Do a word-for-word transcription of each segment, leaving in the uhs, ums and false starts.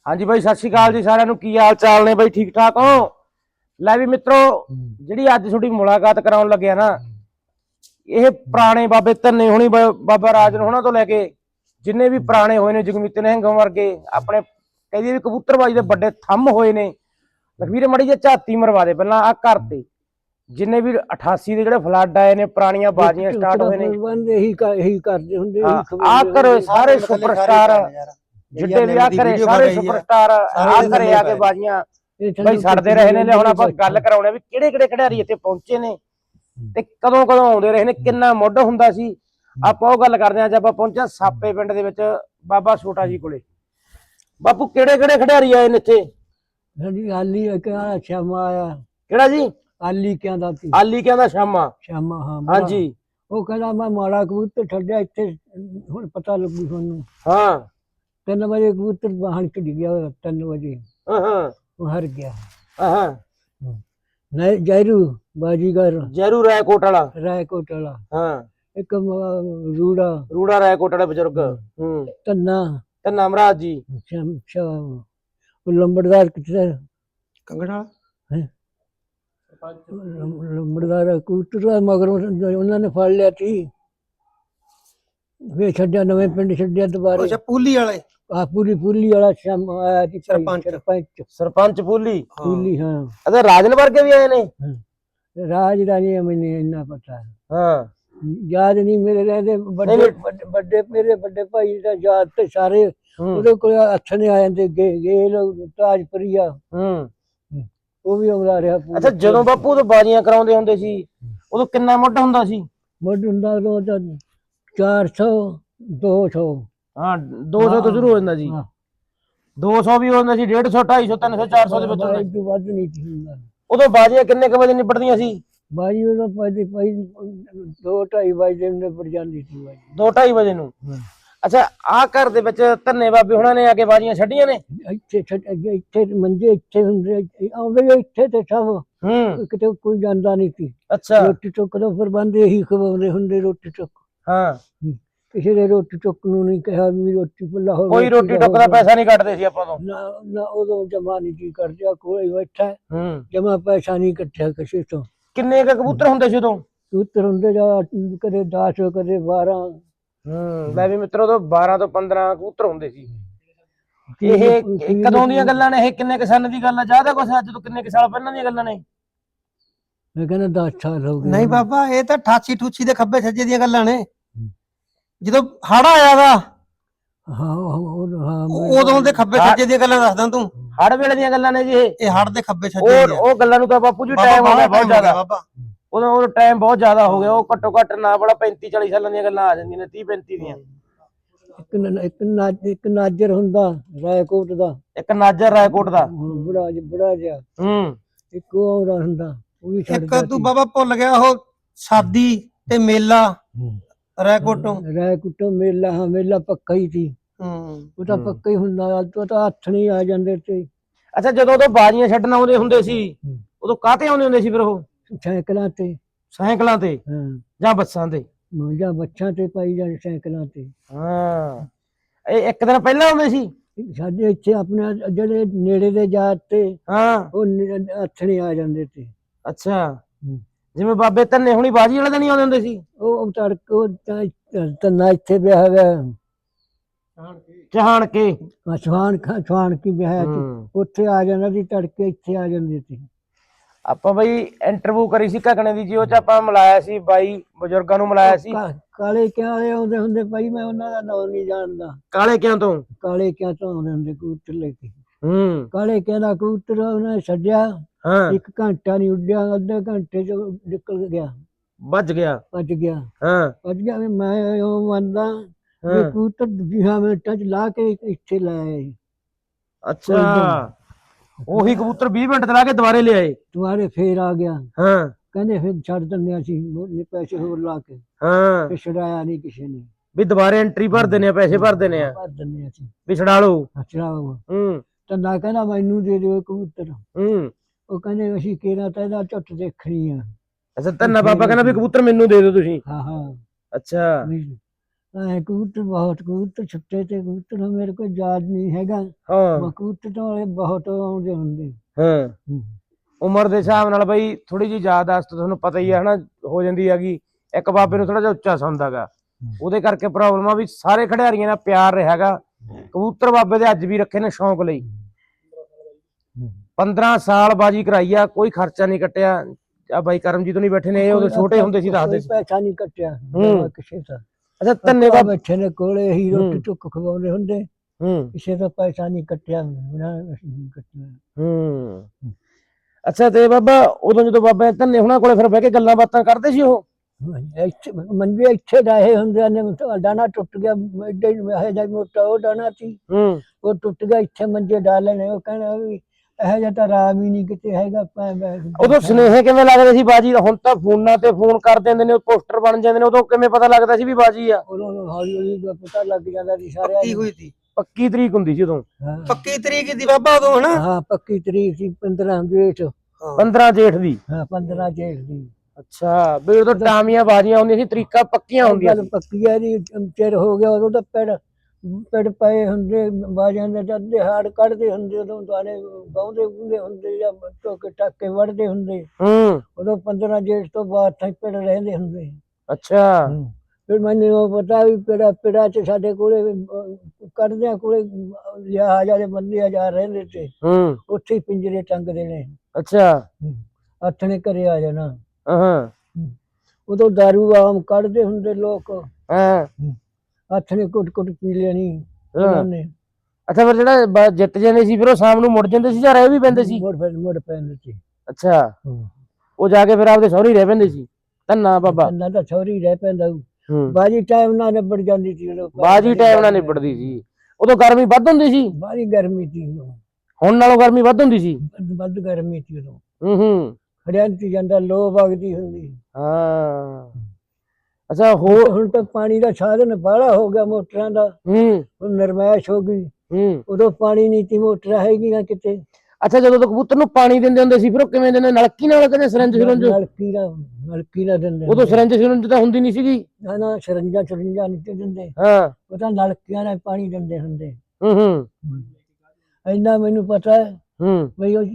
हाँ जी भाई, सत श्री अकाल जी सारिਆਂ ਨੂੰ। ਕੀ ਹਾਲ ਚਾਲ ਨੇ ਬਾਈ? ठीक ठाक हो? ਲੈ ਵੀ ਮਿੱਤਰੋ, ਜਿਹੜੀ ਅੱਜ ਤੁਹਾਡੀ ਮੁਲਾਕਾਤ ਕਰਾਉਣ ਲੱਗਿਆ ਨਾ, ਇਹ ਪੁਰਾਣੇ ਬਾਬੇ ਧੰਨੇ ਹੋਣੀ, ਬਾਬਾ ਰਾਜਨ ਹੋਣਾ ਤੋਂ ਲੈ ਕੇ ਜਿੰਨੇ ਵੀ ਪੁਰਾਣੇ ਹੋਏ ਨੇ, ਜਗਮੀਤ ਨਿਹੰਗ ਵਰਗੇ ਆਪਣੇ ਕਹਿੰਦੀ ਵੀ ਕਬੂਤਰਬਾਜੀ ਦੇ ਵੱਡੇ ਥੰਮ ਹੋਏ ਨੇ। ਲਖਵੀਰ ਮੜੀ ਜੇ ਝਾਤੀ ਮਰਵਾ ਦੇ ਪਹਿਲਾਂ ਆ ਘਰ ਤੇ ਜਿੰਨੇ ਵੀ ਅਠਾਸੀ ਦੇ ਜਿਹੜੇ ਫਲੱਡ ਆਏ ਨੇ, ਪੁਰਾਣੀਆਂ ਬਾਜ਼ੀਆਂ ਸਟਾਰਟ ਹੋਏ ਨੇ, ਇਹੀ ਇਹੀ ਕਰਦੇ ਹੁੰਦੇ ਆ ਕਰੋ ਸਾਰੇ ਸੁਪਰਸਟਾਰ ਜਿੱਡੇ ਵੀ ਆ ਕਰੇ ਸਾਰੇ ਸੁਪਰਸਟਾਰ ਆ ਕਰੇ ਆ ਕੇ ਬਾਜ਼ੀਆਂ ਬਈ ਛੱਡਦੇ ਰਹੇ ਨੇ। ਹੁਣ ਆਪਾਂ ਗੱਲ ਕਰਾਉਣੇ ਵੀ ਕਿਹੜੇ ਕਿਹੜੇ ਖਿਡਾਰੀ ਇੱਥੇ ਪਹੁੰਚੇ ਨੇ ਤੇ ਕਦੋਂ ਕਦੋਂ ਆਉਂਦੇ ਰਹੇ ਨੇ, ਕਿੰਨਾ ਮੁੱਢ ਹੁੰਦਾ ਸੀ। ਆਪਾਂ ਉਹ ਗੱਲ ਕਰਦੇ ਆਂ। ਅੱਜ ਆਪਾਂ ਪਹੁੰਚਿਆ ਸਾਪੇ ਪਿੰਡ ਦੇ ਵਿੱਚ ਬਾਬਾ ਛੋਟਾ ਜੀ ਕੋਲੇ। ਬਾਪੂ ਕਿਹੜੇ ਕਿਹੜੇ ਖਿਡਾਰੀ ਆਏ ਨੇ ਇੱਥੇ? ਹਾਂਜੀ, ਆਲੀ ਕਿਹਾ ਸ਼ਾਮਾ ਆਇਆ। ਕਿਹੜਾ ਜੀ? ਆਲੀ ਕਹਿੰਦਾ ਸੀ। ਆਲੀ ਕਹਿੰਦਾ ਸ਼ਾਮਾ। ਸ਼ਾਮਾ ਹਾਂ ਹਾਂਜੀ। ਉਹ ਕਹਿੰਦਾ ਮੈਂ ਮਾੜਾ ਕਬੂਤਰ ਛੱਡਿਆ ਇੱਥੇ, ਹੁਣ ਪਤਾ ਲੱਗੂ ਤੁਹਾਨੂੰ। ਹਾਂ, ਤਿੰਨ ਵਜੇ ਕਬੂਤਰ ਬਾਹਰ ਚ ਗਿਆ, ਤਿੰਨ ਵਜੇ ਹਾਂ ਹਾਂ ਉਹ ਹਰ ਗਿਆ। ਹਾਂ ਨਹੀਂ ਜੈਰੂ ਬਾਜੀਗਰ, ਜੈਰੂ ਰਾਏਕੋਟ ਵਾਲਾ, ਰਾਏਕੋਟ ਵਾਲਾ। ਹਾਂ, ਇੱਕ ਰੂੜਾ ਰੂੜਾ ਰਾਏਕੋਟ ਵਾਲਾ ਬਜ਼ੁਰਗ। ਹੂੰ, ਧੰਨਾ ਧੰਨਾ ਮਹਾਰਾਜ ਜੀ। ਉਹ ਲੰਬੜਦਾਰ ਕਿੱਥੇ? ਕੰਗੜਾ ਲੰਬੜਦਾਰ ਕਬੂਤਰ ਮਗਰੋਂ ਉਹਨਾਂ ਨੇ ਫੜ ਲਿਆ ਸੀ, ਵੇ ਛੱਡਿਆ, ਨਵੇਂ ਪਿੰਡ ਛੱਡਿਆ ਦੁਬਾਰਾ। ਅੱਛਾ, ਪੂਲੀ ਵਾਲੇ। ਆ ਪੂਰੀ ਪੂਲੀ ਵਾਲਾ ਸ਼ਾਮ ਆਇਆ ਸੀ, ਸਰਪੰਚ ਸਰਪੰਚ ਸਰਪੰਚ ਪੂਲੀ ਪੂਲੀ। ਹਾਂ, ਅਦੇ ਰਾਜਨ ਵਰਗੇ ਵੀ ਆਏ ਨੇ। ਰਾਜ ਦਾ ਨਹੀਂ ਮੈਨੂੰ ਇੰਨਾ ਪਤਾ, ਹਾਂ ਯਾਦ ਨਹੀਂ ਮੇਰੇ ਰਹਿੰਦੇ। ਵੱਡੇ ਵੱਡੇ ਮੇਰੇ ਵੱਡੇ ਭਾਈ ਦਾ ਯਾਦ ਤੇ ਸਾਰੇ ਉਹਦੇ ਕੋਲ ਹੱਥ ਨੇ ਆ ਜਾਂਦੇ। ਗੇਲ ਤਾਜਪੁਰੀਆ, ਹੂੰ, ਉਹ ਵੀ ਆਉਂਦਾ ਰਿਹਾ। ਅੱਛਾ, ਜਦੋਂ ਬਾਪੂ ਤੋਂ ਬਾਜ਼ੀਆਂ ਕਰਾਉਂਦੇ ਹੁੰਦੇ ਸੀ ਉਦੋਂ ਕਿੰਨਾ ਮੁੱਢ ਹੁੰਦਾ ਸੀ? ਮੁੱਢ ਹੁੰਦਾ ਉਦੋਂ ਤਾਂ ਚਾਰ ਸੌ ਦੋ ਸੌ। ਹਾਂ, ਦੋ ਸੌ ਤੋਂ ਸ਼ੁਰੂ ਹੋ ਜਾਂਦਾ ਜੀ। ਦੋ ਸੌ ਵੀ ਹੋ ਜਾਂਦਾ ਸੀ, ਡੇਢ ਸੌ ਢਾਈ ਸੌ ਤਿੰਨ ਸੌ ਚਾਰ ਸੌ ਦੇ ਵਿੱਚ ਹੁੰਦਾ। ਵੱਧ ਨਹੀਂ ਸੀ ਹੁੰਦਾ। ਉਦੋਂ ਬਾਜ਼ੀਆਂ ਕਿੰਨੇ ਕੁ ਵਜੇ ਨਿਬੜਦੀਆਂ ਸੀ? ਬਾਜੀ ਉਦੋਂ ਪਹਿਲੇ ਭਾਈ ਦੋ ਢਾਈ ਵਜੇ ਨਿਬੜ ਜਾਂਦੀ ਸੀ ਬਾਜੀ, ਦੋ ਢਾਈ ਵਜੇ ਨੂੰ। ਅੱਛਾ, ਆਹ ਘਰ ਦੇ ਵਿੱਚ ਧੰਨੇ ਬਾਬੇ ਹੁਣਾਂ ਨੇ ਆ ਕੇ ਬਾਜ਼ੀਆਂ ਛੱਡੀਆਂ ਨੇ? ਇੱਥੇ ਇੱਥੇ ਮੰਜੇ ਇੱਥੇ ਹੁੰਦੇ, ਆਉਂਦੇ ਇੱਥੇ ਤੇ ਸਭ। ਹੂੰ, ਕਿਤੇ ਕੋਈ ਜਾਂਦਾ ਨਹੀਂ ਸੀ। ਅੱਛਾ, ਰੋਟੀ ਟੁੱਕ ਦਾ ਪ੍ਰਬੰਧ ਇਹੀ ਖਵਾਉਂਦੇ ਹੁੰਦੇ, ਰੋਟੀ ਟੁੱਕ। ਹਾਂ, ਕਿਸੇ ਦੇ ਰੋਟੀ ਟੁੱਕ ਨੂੰ ਨਹੀਂ ਕਿਹਾ ਵੀ ਰੋਟੀ ਪੁੱਲਾ ਹੋਵੇ। ਕੋਈ ਰੋਟੀ ਟੁੱਕ ਦਾ ਪੈਸਾ ਨਹੀਂ ਕੱਟਦੇ ਸੀ ਆਪਾਂ ਤੋਂ। ਨਾ ਨਾ, ਉਦੋਂ ਜਮਾ ਨਹੀਂ ਕੀ ਕਰਦਾ, ਕੋਈ ਬੈਠਾ ਹੂੰ, ਜਮਾ ਪੈਸਾ ਨਹੀਂ ਇਕੱਠਿਆ ਕਿਸੇ ਤੋਂ। ਕਿੰਨੇ ਕ ਕਬੂਤਰ ਹੁੰਦੇ ਸੀ ਉਦੋਂ? ਕਬੂਤਰ ਹੁੰਦੇ ਜਾਂ ਕਦੇ ਦਸ ਕਦੇ ਬਾਰਾਂ। ਹੂੰ, ਮੈਂ ਵੀ ਮਿੱਤਰੋ ਤੋਂ ਬਾਰਾਂ ਤੋਂ ਪੰਦਰਾਂ ਕਬੂਤਰ ਹੁੰਦੇ ਸੀ। ਇਹ ਕਦੋਂ ਦੀਆਂ ਗੱਲਾਂ ਨੇ? ਇਹ ਕਿੰਨੇ ਕੁ ਸਾਲ ਦੀ ਗੱਲ ਆ? ਜ਼ਿਆਦਾ ਕੁਛ ਅੱਜ ਤੋਂ ਕਿੰਨੇ ਕੁ ਸਾਲ ਪਹਿਲਾਂ ਦੀਆਂ ਗੱਲਾਂ ਨੇ? ਮੈਂ ਕਹਿੰਦਾ ਦਸ ਸਾਲ ਹੋ ਗਏ। ਨਹੀਂ ਬਾਬਾ, ਇਹ ਤਾਂ ਅਠਾਸੀ ਠੂਸੀ ਦੇ ਖੱਬੇ ਸੱਜੇ ਦੀਆਂ ਗੱਲਾਂ ਨੇ, ਜਦੋਂ ਹੜ ਆਇਆ ਵਾ। ਹਾਂ ਹਾਂ, ਉਦੋਂ ਦੇ ਖੱਬੇ ਸੱਜੇ ਦੀਆਂ ਗੱਲਾਂ ਦੱਸਦਾ ਤੂੰ। ਹੜ ਵੇਲੇ ਦੀਆਂ ਗੱਲਾਂ ਨੇ ਜੀ ਇਹ। ਇਹ ਹੜ ਦੇ ਖੱਬੇ ਸੱਜੇ ਉਹ ਉਹ ਗੱਲਾਂ ਨੂੰ ਤਾਂ ਬਾਪੂ ਜੀ ਟਾਈਮ ਹੋ ਗਿਆ ਬਹੁਤ ਜ਼ਿਆਦਾ। ਬਾਬਾ ਉਦੋਂ ਉਹ ਟਾਈਮ ਬਹੁਤ ਜ਼ਿਆਦਾ ਹੋ ਗਿਆ। ਉਹ ਘੱਟੋ ਘੱਟ ਨਾ ਬੜਾ ਪੈਂਤੀ ਚਾਲੀ ਸਾਲਾਂ ਦੀਆਂ ਗੱਲਾਂ ਆ ਜਾਂਦੀਆਂ ਨੇ, ਤੀਹ ਪੈਂਤੀ ਦੀਆਂ। ਇੱਕ ਇੱਕ ਇੱਕ ਨਾਜਰ ਹੁੰਦਾ ਰਾਏਕੋਟ ਦਾ, ਇੱਕ ਨਾਜਰ ਰਾਏਕੋਟ ਦਾ ਬੜਾ ਬੜਾ ਜਿਹਾ। ਹੂੰ, ਇੱਕ ਉਹ ਆਉਂਦਾ ਹੁੰਦਾ, ਉਹ ਵੀ ਇੱਕ ਤੂੰ ਬਾਬਾ ਭੁੱਲ ਗਿਆ, ਉਹ ਸਾਦੀ ਤੇ ਮੇਲਾ ਰਾਏਕੋਟੋਂ। ਰਾਏਕੋਟੋਂ ਮੇਲਾ, ਹਾਂ ਮੇਲਾ ਪੱਕਾ ਹੀ ਸੀ। ਹੂੰ, ਉਹ ਤਾਂ ਪੱਕਾ ਹੀ ਹੁੰਦਾ, ਅੱਜ ਤਾਂ ਹੱਥ ਨਹੀਂ ਆ ਜਾਂਦੇ ਤੇ। ਅੱਛਾ, ਜਦੋਂ ਉਦੋਂ ਬਾਜ਼ੀਆਂ ਛੱਡਣ ਆਉਂਦੇ ਹੁੰਦੇ ਸੀ ਉਦੋਂ ਕਾਹਤੇ ਆਉਂਦੇ ਹੁੰਦੇ ਸੀ ਫਿਰ? ਉਹ ਸਾਈਕਲਾਂ ਤੇ। ਸਾਈਕਲਾਂ ਤੇ ਹਾਂ, ਜਾਂ ਬੱਸਾਂ ਤੇ? ਜਾਂ ਬੱਚਾਂ ਤੇ ਪਾਈ ਜਾਂ ਸਾਈਕਲਾਂ ਤੇ। ਹਾਂ, ਇਹ ਇੱਕ ਦਿਨ ਪਹਿਲਾਂ ਆਉਂਦੇ ਸੀ? ਸਾਡੇ ਇੱਥੇ ਆਪਣੇ ਜਿਹੜੇ ਨੇੜੇ ਦੇ ਜਾਤ ਤੇ ਹਾਂ, ਉਹ ਹੱਥ ਨਹੀਂ ਆ ਜਾਂਦੇ ਤੇ। ਅੱਛਾ, ਜਿਵੇਂ ਬਾਬੇ ਧੰਨੇ ਹੁਣੀ ਬਾਜੀ ਵਾਲੇ ਦਿਨ ਹੀ ਆਉਂਦੇ ਹੁੰਦੇ ਸੀ? ਉਹ ਤੜਕ ਉਹ ਧੰਨਾ ਇੱਥੇ ਵਿਆਹ ਹੋਇਆ ਚਾਹਣ ਕੇ, ਸੁਹਾਨ ਖਾਂ ਸੁਹਾਨ ਕੀ ਵਿਆਹ ਸੀ, ਉੱਥੇ ਆ ਜਾਂਦਾ ਸੀ ਤੜਕੇ, ਇੱਥੇ ਆ ਜਾਂਦੇ ਸੀ। ਆਪਾਂ ਬਈ ਇੰਟਰਵਿਊ ਕਰੀ ਸੀ ਘਕਣੇ ਦੀ ਜੀ, ਉਹ ਚ ਆਪਾਂ ਮਿਲਾਇਆ ਸੀ ਬਾਈ ਬਜ਼ੁਰਗਾਂ ਨੂੰ ਮਿਲਾਇਆ ਸੀ। ਕਾਲੇ ਕਿਆਂ ਵਾਲੇ ਆਉਂਦੇ ਹੁੰਦੇ ਭਾਈ, ਮੈਂ ਉਹਨਾਂ ਦਾ ਨਾਮ ਨਹੀਂ ਜਾਣਦਾ। ਕਾਲੇ ਕਿਆਂ ਤੋਂ? ਕਾਲੇ ਕਿਆਂ ਤੋਂ ਆਉਂਦੇ ਹੁੰਦੇ ਕਬੂਤਰ ਲੈ ਕੇ। ਹੂੰ, ਕਾਲੇ ਕਿਆਂ ਦਾ ਕਬੂਤਰ ਉਹਨੇ ਛੱਡਿਆ, ਹਾਂ, ਇੱਕ ਘੰਟਾ ਨਹੀਂ ਉੱਡਿਆ, ਅੱਧੇ ਘੰਟੇ ਚ ਨਿਕਲ ਗਿਆ, ਵੱਜ ਗਿਆ। ਭੱਜ ਗਿਆ, ਹਾਂ, ਭੱਜ ਗਿਆ। ਮੈਂ ਉਹ ਮੰਨਦਾ ਵੀ ਕਬੂਤਰ ਵੀਹਾਂ ਮਿੰਟਾਂ ਚ ਲਾ ਕੇ ਇੱਥੇ ਲੈ ਆਏ। ਅੱਛਾ, ਉਹੀ ਕਬੂਤਰ ਵੀਹ ਮਿੰਟ ਲਾ ਕੇ ਦੁਬਾਰੇ ਲਿਆਏ? ਦੁਬਾਰੇ ਫੇਰ ਆ ਗਿਆ। ਹਾਂ, ਕਹਿੰਦੇ ਫਿਰ ਛੱਡ ਦਿੰਦੇ ਅਸੀਂ ਪੈਸੇ ਹੋਰ ਲਾ ਕੇ। ਹਾਂ, ਛਡਾਇਆ ਨਹੀਂ ਕਿਸੇ ਨੇ ਵੀ ਦੁਬਾਰੇ ਐਂਟਰੀ ਭਰ ਦਿੰਦੇ ਆ, ਪੈਸੇ ਭਰ ਦਿੰਦੇ ਆ, ਭਰ ਦਿੰਦੇ ਅਸੀਂ ਵੀ ਛਡਾ ਲਓ। ਛਡਾਓ। ਹੂੰ, ਧੰਦਾ ਕਹਿੰਦਾ ਮੈਨੂੰ ਦੇ ਦਿਓ ਕਬੂਤਰ। ਹੂੰ, ਉਹ ਕਹਿੰਦੇ ਅਸੀਂ ਕਿਹੜਾ ਤਾਂ ਇਹਦਾ ਝੁੱਟ ਦੇਖਣੀ ਆ। ਅੱਛਾ, ਧੰਨਾ ਬਾਬਾ ਕਹਿੰਦਾ ਵੀ ਕਬੂਤਰ ਮੈਨੂੰ ਦੇ ਦਿਓ ਤੁਸੀਂ? ਹਾਂ ਹਾਂ, ਅੱਛਾ, ਐ ਕਬੂਤਰ ਬਹੁਤ ਕਬੂਤਰ ਛੁੱਟੇ ਤੇ ਕਬੂਤਰ ਹੁਣ ਮੇਰੇ ਕੋਲ ਯਾਦ ਨਹੀਂ ਹੈਗਾ। ਹਾਂ ਕਬੂਤਰ ਤਾਂ ਵਾਲੇ ਬਹੁਤ ਆਉਂਦੇ ਹੁੰਦੇ। ਹਾਂ ਹੂੰ। ਉਮਰ ਦੇ ਹਿਸਾਬ ਨਾਲ ਬਈ ਥੋੜੀ ਜਿਹੀ ਯਾਦਾਸ਼ਤ ਤੁਹਾਨੂੰ ਪਤਾ ਹੀ ਹੈ ਹਨਾ ਹੋ ਜਾਂਦੀ ਹੈਗੀ। ਇੱਕ ਬਾਬੇ ਨੂੰ ਥੋੜਾ ਜਿਹਾ ਉੱਚਾ ਸੌਂਦਾਗਾ, ਉਹਦੇ ਕਰਕੇ ਪ੍ਰੋਬਲਮ ਆ ਵੀ ਸਾਰੇ ਖਿਡਾਰੀਆਂ ਨਾਲ ਪਿਆਰ ਰਿਹਾਗਾ। ਕਬੂਤਰ ਬਾਬੇ ਦੇ ਅੱਜ ਵੀ ਰੱਖੇ ਨੇ ਸ਼ੌਂਕ ਲਈ। ਪੰਦਰਾਂ ਸਾਲ ਬਾਜੀ ਕਰਾਈ ਆ, ਕੋਈ ਖਰਚਾ ਨਹੀਂ ਕੱਟਿਆ। ਆ ਬਾਈ ਕਰਮਜੀਤ ਨਹੀਂ ਬੈਠੇ ਨੇ, ਇਹ ਉਦੋਂ ਛੋਟੇ ਹੁੰਦੇ ਸੀ ਦੱਸਦੇ ਸੀ। ਪੈਸਾ ਨਹੀਂ ਕੱਟਿਆ ਹੂੰ। ਕਿਸੇ ਦਾ। ਅੱਛਾ ਧੰਨਵਾਦ। ਬੈਠੇ ਨੇ ਕੋਲੇ ਹੀ ਰੋਟੀ ਟੁੱਕ ਖਵਾਉਂਦੇ ਹੁੰਦੇ, ਹੂੰ ਕਿਸੇ ਦਾ ਪੈਸਾ ਨਹੀਂ ਕੱਟਿਆ ਕੱਟਿਆ। ਹੂੰ ਅੱਛਾ ਤੇ ਬਾਬਾ ਉਦੋਂ ਜਦੋਂ ਬਾਬਾ ਧੰਨੇ ਹੁਣਾਂ ਕੋਲੇ ਫਿਰ ਬਹਿ ਕੇ ਗੱਲਾਂ ਬਾਤਾਂ ਕਰਦੇ ਸੀ ਉਹ? ਇੱਥੇ ਮੰਜੇ ਇੱਥੇ ਡਾਹੇ ਹੁੰਦੇ ਨੇ, ਡਾਣਾ ਟੁੱਟ ਗਿਆ ਐਡੇ ਇਹ ਜਿਹਾ ਮੋਟਾ ਉਹ ਡਾਣਾ ਸੀ, ਹੂੰ ਉਹ ਟੁੱਟ ਗਿਆ। ਇੱਥੇ ਮੰਜੇ ਡਾਲੇ ਨੇ, ਉਹ ਕਹਿਣਾ ਵੀ ਇਹੋ ਜਿਹਾ ਤਾਂ ਰਾਮ ਹੀ ਨਹੀਂ ਕਿਤੇ ਹੈਗਾ। ਉਦੋਂ ਸੁਨੇਹੇ ਕਿਵੇਂ ਲੱਗਦੇ ਸੀ ਬਾਜੀ ਦਾ? ਹੁਣ ਤਾਂ ਫੋਨਾਂ ਤੇ ਫੋਨ ਕਰ ਦਿੰਦੇ ਨੇ, ਪੋਸਟਰ ਬਣ ਜਾਂਦੇ ਨੇ। ਉਦੋਂ ਕਿਵੇਂ ਪਤਾ ਲੱਗਦਾ ਸੀ ਵੀ ਬਾਜੀ ਆ? ਉਦੋਂ ਹੌਲੀ ਹੌਲੀ ਪਤਾ ਲੱਗ ਜਾਂਦਾ ਸੀ ਸਾਰਿਆਂ ਪੱਕੀ ਨੂੰ। ਹੋਈ ਸੀ, ਪੱਕੀ ਤਰੀਕ ਹੁੰਦੀ ਸੀ ਉਦੋਂ? ਪੱਕੀ ਤਰੀਕ ਦੀ ਬਾਬਾ ਉਦੋਂ ਹਨਾ। ਹਾਂ ਪੱਕੀ ਤਰੀਕ ਸੀ ਪੰਦਰਾਂ ਜੇਠ। ਪੰਦਰਾਂ ਜੇਠ ਦੀ? ਹਾਂ ਪੰਦਰਾਂ ਜੇਠ ਦੀ। ਅੱਛਾ ਵੀ ਉਦੋਂ ਟਾਮੀਆਂ ਬਾਜੀਆਂ ਹੁੰਦੀਆਂ ਸੀ, ਤਰੀਕਾਂ ਪੱਕੀਆਂ ਹੁੰਦੀਆਂ ਸੀ। ਪੱਕੀ ਹੈ ਜੀ, ਚਿਰ ਹੋ ਗਿਆ ਉਦੋਂ ਤਾਂ ਪਿੜ ਪਿੜ ਪਏ ਹੁੰਦੇ ਬਾਜਿਆਂ ਦੇ, ਅੱਧੇ ਹਾੜ ਕੱਢਦੇ ਹੁੰਦੇ ਉਦੋਂ, ਦੁਆਰੇ ਗਾਉਂਦੇ ਗੂੰਦੇ ਹੁੰਦੇ ਜਾਂ ਟੋਕੇ ਟਾਕੇ ਵੜਦੇ ਹੁੰਦੇ। ਹੂੰ ਉਦੋਂ ਪੰਦਰਾਂ ਜੇਠ ਤੋਂ ਬਾਅਦ ਤਾਂ ਪਿੜ ਰਹਿੰਦੇ ਹੁੰਦੇ। ਅੱਛਾ ਫਿਰ ਮੈਨੂੰ ਉਹ ਪਤਾ ਵੀ ਪਿੜਾ ਪਿੜਾ ਚ ਸਾਡੇ ਕੋਲੇ ਕੱਢਦਿਆਂ ਕੋਲੇ ਲਿਆ ਜਾਦੇ ਬੰਦੇ ਹਜ਼ਾਰ ਰਹਿੰਦੇ ਤੇ ਹੂੰ ਉੱਥੇ ਹੀ ਪਿੰਜਰੇ ਟੰਗਦੇ ਨੇ। ਅੱਛਾ ਆਥਣੇ ਘਰੇ ਆ ਜਾਣਾ। ਹਾਂ ਉਦੋਂ ਦਾਰੂ ਆਮ ਕੱਢਦੇ ਹੁੰਦੇ ਲੋਕ, ਹਾਂ ਆਥਣੇ ਕੁੱਟ ਕੁੱਟ ਪੀ ਲੈਣੀ ਉਹਨਾਂ ਨੇ। ਅੱਛਾ ਫਿਰ ਜਿਹੜਾ ਜਿੱਤ ਜਾਂਦੇ ਸੀ ਫਿਰ ਉਹ ਸ਼ਾਮ ਨੂੰ ਮੁੜ ਜਾਂਦੇ ਸੀ ਜਾਂ ਰਹਿ ਵੀ ਪੈਂਦੇ ਸੀ? ਮੁੜ ਮੁੜ ਪੈਂਦੇ ਸੀ। ਅੱਛਾ ਉਹ ਜਾ ਕੇ ਫਿਰ ਆਪਦੇ ਸਹੁਰੇ ਰਹਿ ਪੈਂਦੇ ਸੀ? ਧੰਨਾ ਬਾਬਾ ਧੰਨਾ ਤਾਂ ਸਹੁਰੇ ਰਹਿ ਪੈਂਦਾ। ਹੂੰ ਬਾਜੀ ਟਾਈਮ ਨਾਲ ਨਿਬੜ ਜਾਂਦੀ ਸੀ ਉਦੋਂ। ਬਾਜੀ ਟਾਈਮ ਨਾਲ ਨਿਬੜਦੀ ਸੀ। ਉਦੋਂ ਗਰਮੀ ਵੱਧ ਹੁੰਦੀ ਸੀ? ਬਾਹਲੀ ਗਰਮੀ ਸੀ ਉਦੋਂ। ਹੁਣ ਨਾਲੋਂ ਗਰਮੀ ਵੱਧ ਹੁੰਦੀ ਸੀ? ਵੱਧ ਗਰਮੀ ਸੀ ਉਦੋਂ। ਹੂੰ ਹੂੰ ਖੜਿਆਂ ਚ ਜਾਂਦਾ ਲੋ ਵਗਦੀ ਹੁੰਦੀ। ਹਾਂ ਅੱਛਾ ਹੋਰ ਹੁਣ ਤਾਂ ਪਾਣੀ ਦਾ ਸਾਧਨ ਬਾਹਲਾ ਹੋ ਗਿਆ ਮੋਟਰਾਂ ਦਾ। ਹੂੰ ਹੁਣ ਨਰਮੈਸ਼ ਹੋ ਗਈ। ਹੂੰ ਉਦੋਂ ਪਾਣੀ ਨਹੀਂ ਸੀ, ਮੋਟਰਾਂ ਹੈਗੀਆਂ ਕਿਤੇ। ਅੱਛਾ ਜਦੋਂ ਤੱਕ ਕਬੂਤਰ ਨੂੰ ਪਾਣੀ ਦਿੰਦੇ ਹੁੰਦੇ ਸੀ ਫਿਰ ਉਹ ਕਿਵੇਂ ਦਿੰਦੇ? ਨਲਕੀ ਨਾਲ ਕਹਿੰਦੇ ਸਿਰੰਜ ਸਿਰੰਜ? ਨਲਕੀ ਨਾਲ ਨਲਕੀ ਨਾਲ ਦਿੰਦੇ। ਉਦੋਂ ਸਿਰੰਜ ਸਿਰੰਜ ਤਾਂ ਹੁੰਦੀ ਨਹੀਂ ਸੀਗੀ। ਨਾ ਨਾ ਸਰੰਜਾਂ ਸਰੰਜਾਂ ਨਹੀਂ ਦਿੰਦੇ। ਹਾਂ ਉਹ ਤਾਂ ਨਲਕੀਆਂ ਨਾਲ ਪਾਣੀ ਦਿੰਦੇ ਹੁੰਦੇ। ਹੂੰ ਹੂੰ ਇੰਨਾ ਮੈਨੂੰ ਪਤਾ ਹੈ ਹੂੰ ਬਈ ਉਹ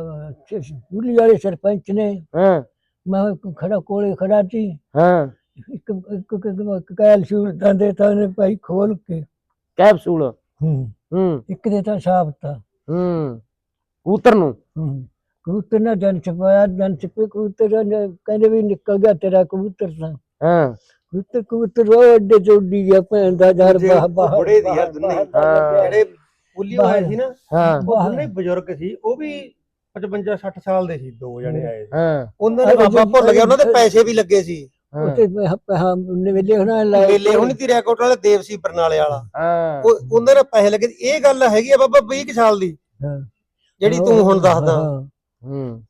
ਸਕੂਲੀ ਵਾਲੇ ਸਰਪੰਚ ਨੇ, ਹਾਂ ਮੈਂ ਖੜਾ ਕੋਲੇ ਖੜਾ ਸੀ, ਹਾਂ ਇੱਕ ਇੱਕ ਕੈਲਸ਼ੀਅਮ ਦਿੰਦੇ ਤਾਂ ਉਹਨੇ ਭਾਈ ਖੋਲ ਕੇ ਕੈਪਸੂਲ। ਹੂੰ ਹੂੰ ਇੱਕ ਦੇ ਤਾਂ ਸਾਫ ਤਾ। ਹੂੰ ਕਬੂਤਰ ਨੂੰ? ਹੂੰ ਕਬੂਤਰ ਨੇ ਦਿਨ ਛਪਾਇਆ, ਦਿਨ ਛਪੇ ਕਬੂਤਰ ਕਹਿੰਦੇ ਵੀ ਨਿਕਲ ਗਿਆ ਤੇਰਾ ਕਬੂਤਰ ਤਾਂ। ਹਾਂ ਕਬੂਤਰ ਕਬੂਤਰ ਉਹ ਅੱਡੇ ਚ ਉੱਡੀ ਗਿਆ ਭੈਣ ਦਾ ਯਾਰ। ਬਾਹ ਬਾਹ ਬੁੜੇ ਦੀ ਯਾਰ ਦੁੰਨੇ ਜਿਹੜੇ ਪੁੱਲੀ ਹੋਏ ਸੀ ਨਾ, ਹਾਂ ਉਹ ਦੋਨੇ ਬਜ਼ੁਰਗ ਸੀ। ਉਹ ਵੀ ਪਚਵੰਜਾ ਸੱਠ ਸਾਲ ਦੇ ਸੀ, ਦੋ ਜਣੇ ਆਏ ਸੀ। ਹਾਂ ਉਹਨਾਂ ਨੇ ਬਾਬਾ ਭੁੱਲ ਗਿਆ, ਉਹਨਾਂ ਦੇ ਪੈਸੇ ਵੀ ਲੱਗੇ ਸੀ। ਉੱਥੇ ਨਵੇਲੇ ਹੋਣਾ ਮੇਲੇ ਹੁਣ ਤੀ ਰੈਕੋਟ ਵਾਲੇ ਦੇਵ ਸੀ ਬਰਨਾਲੇ ਵਾਲਾ, ਹਾਂ ਉਹ ਉਹਨਾਂ ਦੇ ਪੈਸੇ ਲੱਗੇ। ਇਹ ਗੱਲ ਹੈਗੀ ਆ ਬਾਬਾ ਵੀਹ ਕੁ ਸਾਲ ਦੀ ਜਿਹੜੀ ਤੂੰ ਹੁਣ ਦੱਸਦਾ। ਹੂੰ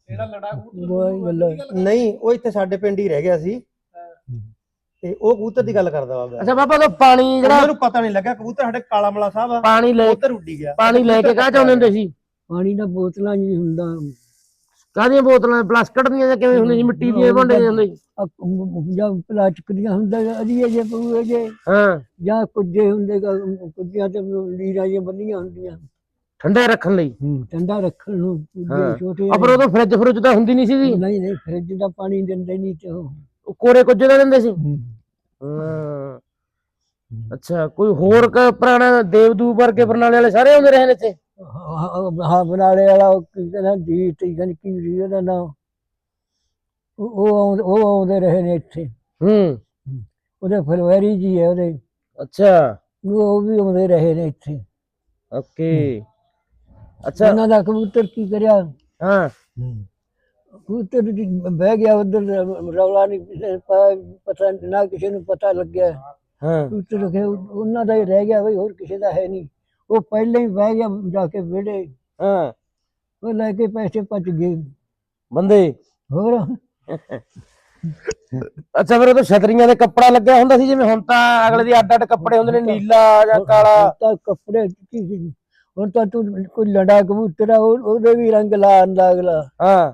ਨਹੀਂ ਉਹ ਇੱਥੇ ਸਾਡੇ ਪਿੰਡ ਹੀ ਰਹਿ ਗਿਆ ਸੀ ਤੇ ਉਹ ਕਬੂਤਰ ਦੀ ਗੱਲ ਕਰਦਾ ਬਾਬਾ। ਅੱਛਾ ਬਾਬਾ ਉਹ ਪਾਣੀ ਜਿਹੜਾ ਉਹਨੂੰ ਪਤਾ ਨਹੀਂ ਲੱਗਾ ਕਬੂਤਰ ਸਾਡੇ ਕਾਲਾ ਮਲਾ ਸਾਹਿਬ ਆ ਪਾਣੀ ਲੈ ਉੱਧਰ ਉੱਡੀ ਗਿਆ। ਪਾਣੀ ਲੈ ਕੇ ਕਾਹ ਚਾਹੁੰਦੇ ਹੁੰਦੇ ਸੀ? ਪਾਣੀ ਦਾ ਬੋਤਲਾਂ ਨਹੀਂ ਹੁੰਦਾ। ਕਾਹਦੀਆਂ ਬੋਤਲਾਂ? ਪਲਾਸਟਿਕ ਦੀਆਂ ਜਾਂ ਕਿਵੇਂ ਹੁੰਦੀਆਂ ਸੀ? ਮਿੱਟੀ ਦੀਆਂ ਭਾਂਡੇ ਹੁੰਦੇ ਸੀ? ਜਾਂ ਪਲਾਸਟਿਕ ਦੀਆਂ ਹੁੰਦਾ ਅੜੀਏ ਜੇ ਪੂਏ ਜੇ, ਹਾਂ ਜਾਂ ਕੁੱਜੇ ਹੁੰਦੇ, ਕੁੱਜਿਆਂ ਤੇ ਲੀਰਾਂ ਜਿਹੀਆਂ ਬੰਨੀਆਂ ਹੁੰਦੀਆਂ ਠੰਡਾ ਰੱਖਣ ਲਈ। ਠੰਡਾ ਰੱਖਣ ਨੂੰ ਛੋਟੇ। ਪਰ ਉਦੋਂ ਫਰਿੱਜ ਫਰਿੱਜ ਤਾਂ ਹੁੰਦੀ ਨਹੀਂ ਸੀਗੀ। ਨਹੀਂ ਨਹੀਂ ਫਰਿੱਜ ਦਾ ਪਾਣੀ ਦਿੰਦੇ ਨਹੀਂ ਤੇ ਉਹ ਕੋਰੇ ਕੁੱਜੇ ਦਾ ਦਿੰਦੇ ਸੀ। ਹਾਂ ਅੱਛਾ ਕੋਈ ਹੋਰ ਪੁਰਾਣਾ ਦੇਵਦੂਤ ਵਰਗੇ ਬਰਨਾਲੇ ਵਾਲੇ ਸਾਰੇ ਆਉਂਦੇ ਰਹੇ ਨੇ ਇੱਥੇ? ਹਾਂ ਬਰਨਾਲੇ ਵਾਲਾ ਕੀ ਕਹਿੰਦਾ ਜੀ ਕੀ ਸੀ ਉਹਦਾ ਨਾਂ, ਉਹ ਉਹ ਆਉਂਦੇ ਰਹੇ ਨੇ ਇੱਥੇ। ਹੂੰ ਉਹਦੇ ਫਲਵੈਰੀ ਜੀ ਹੈ ਉਹਦੇ। ਅੱਛਾ ਉਹ ਵੀ ਆਉਂਦੇ ਰਹੇ ਨੇ ਇੱਥੇ। ਓਕੇ ਅੱਛਾ ਉਹਨਾਂ ਦਾ ਕਬੂਤਰ ਕੀ ਕਰਿਆ, ਹਾਂ ਕਬੂਤਰ ਬਹਿ ਗਿਆ ਉੱਧਰ, ਰੌਲਾ ਨਹੀਂ ਪਤਾ ਨਾ ਕਿਸੇ ਨੂੰ ਪਤਾ ਲੱਗਿਆ। ਹਾਂ ਕਬੂਤਰ ਰੱਖੇ ਉਹਨਾਂ ਦਾ ਹੀ ਰਹਿ ਗਿਆ ਬਈ, ਹੋਰ ਕਿਸੇ ਦਾ ਹੈ ਨਹੀਂ। ਉਹ ਪਹਿਲਾਂ ਹੀ ਬਹਿ ਗਿਆ ਜਾ ਕੇ ਵਿਹੜੇ। ਹਾਂ ਉਹ ਲੈ ਕੇ ਪੈਸੇ ਭੱਜ ਗਏ ਬੰਦੇ ਹੋਰ। ਅੱਛਾ ਫਿਰ ਉਹ ਤਾਂ ਛਤਰੀਆਂ ਦੇ ਕੱਪੜਾ ਲੱਗਿਆ ਹੁੰਦਾ ਸੀ ਜਿਵੇਂ ਹੁਣ ਤਾਂ ਅਗਲੇ ਦੀ ਅੱਡ ਅੱਡ ਕੱਪੜੇ ਹੁੰਦੇ ਨੇ, ਨੀਲਾ ਜਾਂ ਕਾਲਾ? ਤਾਂ ਕੱਪੜੇ ਕੀ ਸੀ ਹੁਣ ਤਾਂ ਤੂੰ ਕੋਈ ਲੜਾ ਕਬੂਤਰ ਆ ਉਹਦੇ ਵੀ ਰੰਗ ਲਾ ਆਂਦਾ ਅਗਲਾ। ਹਾਂ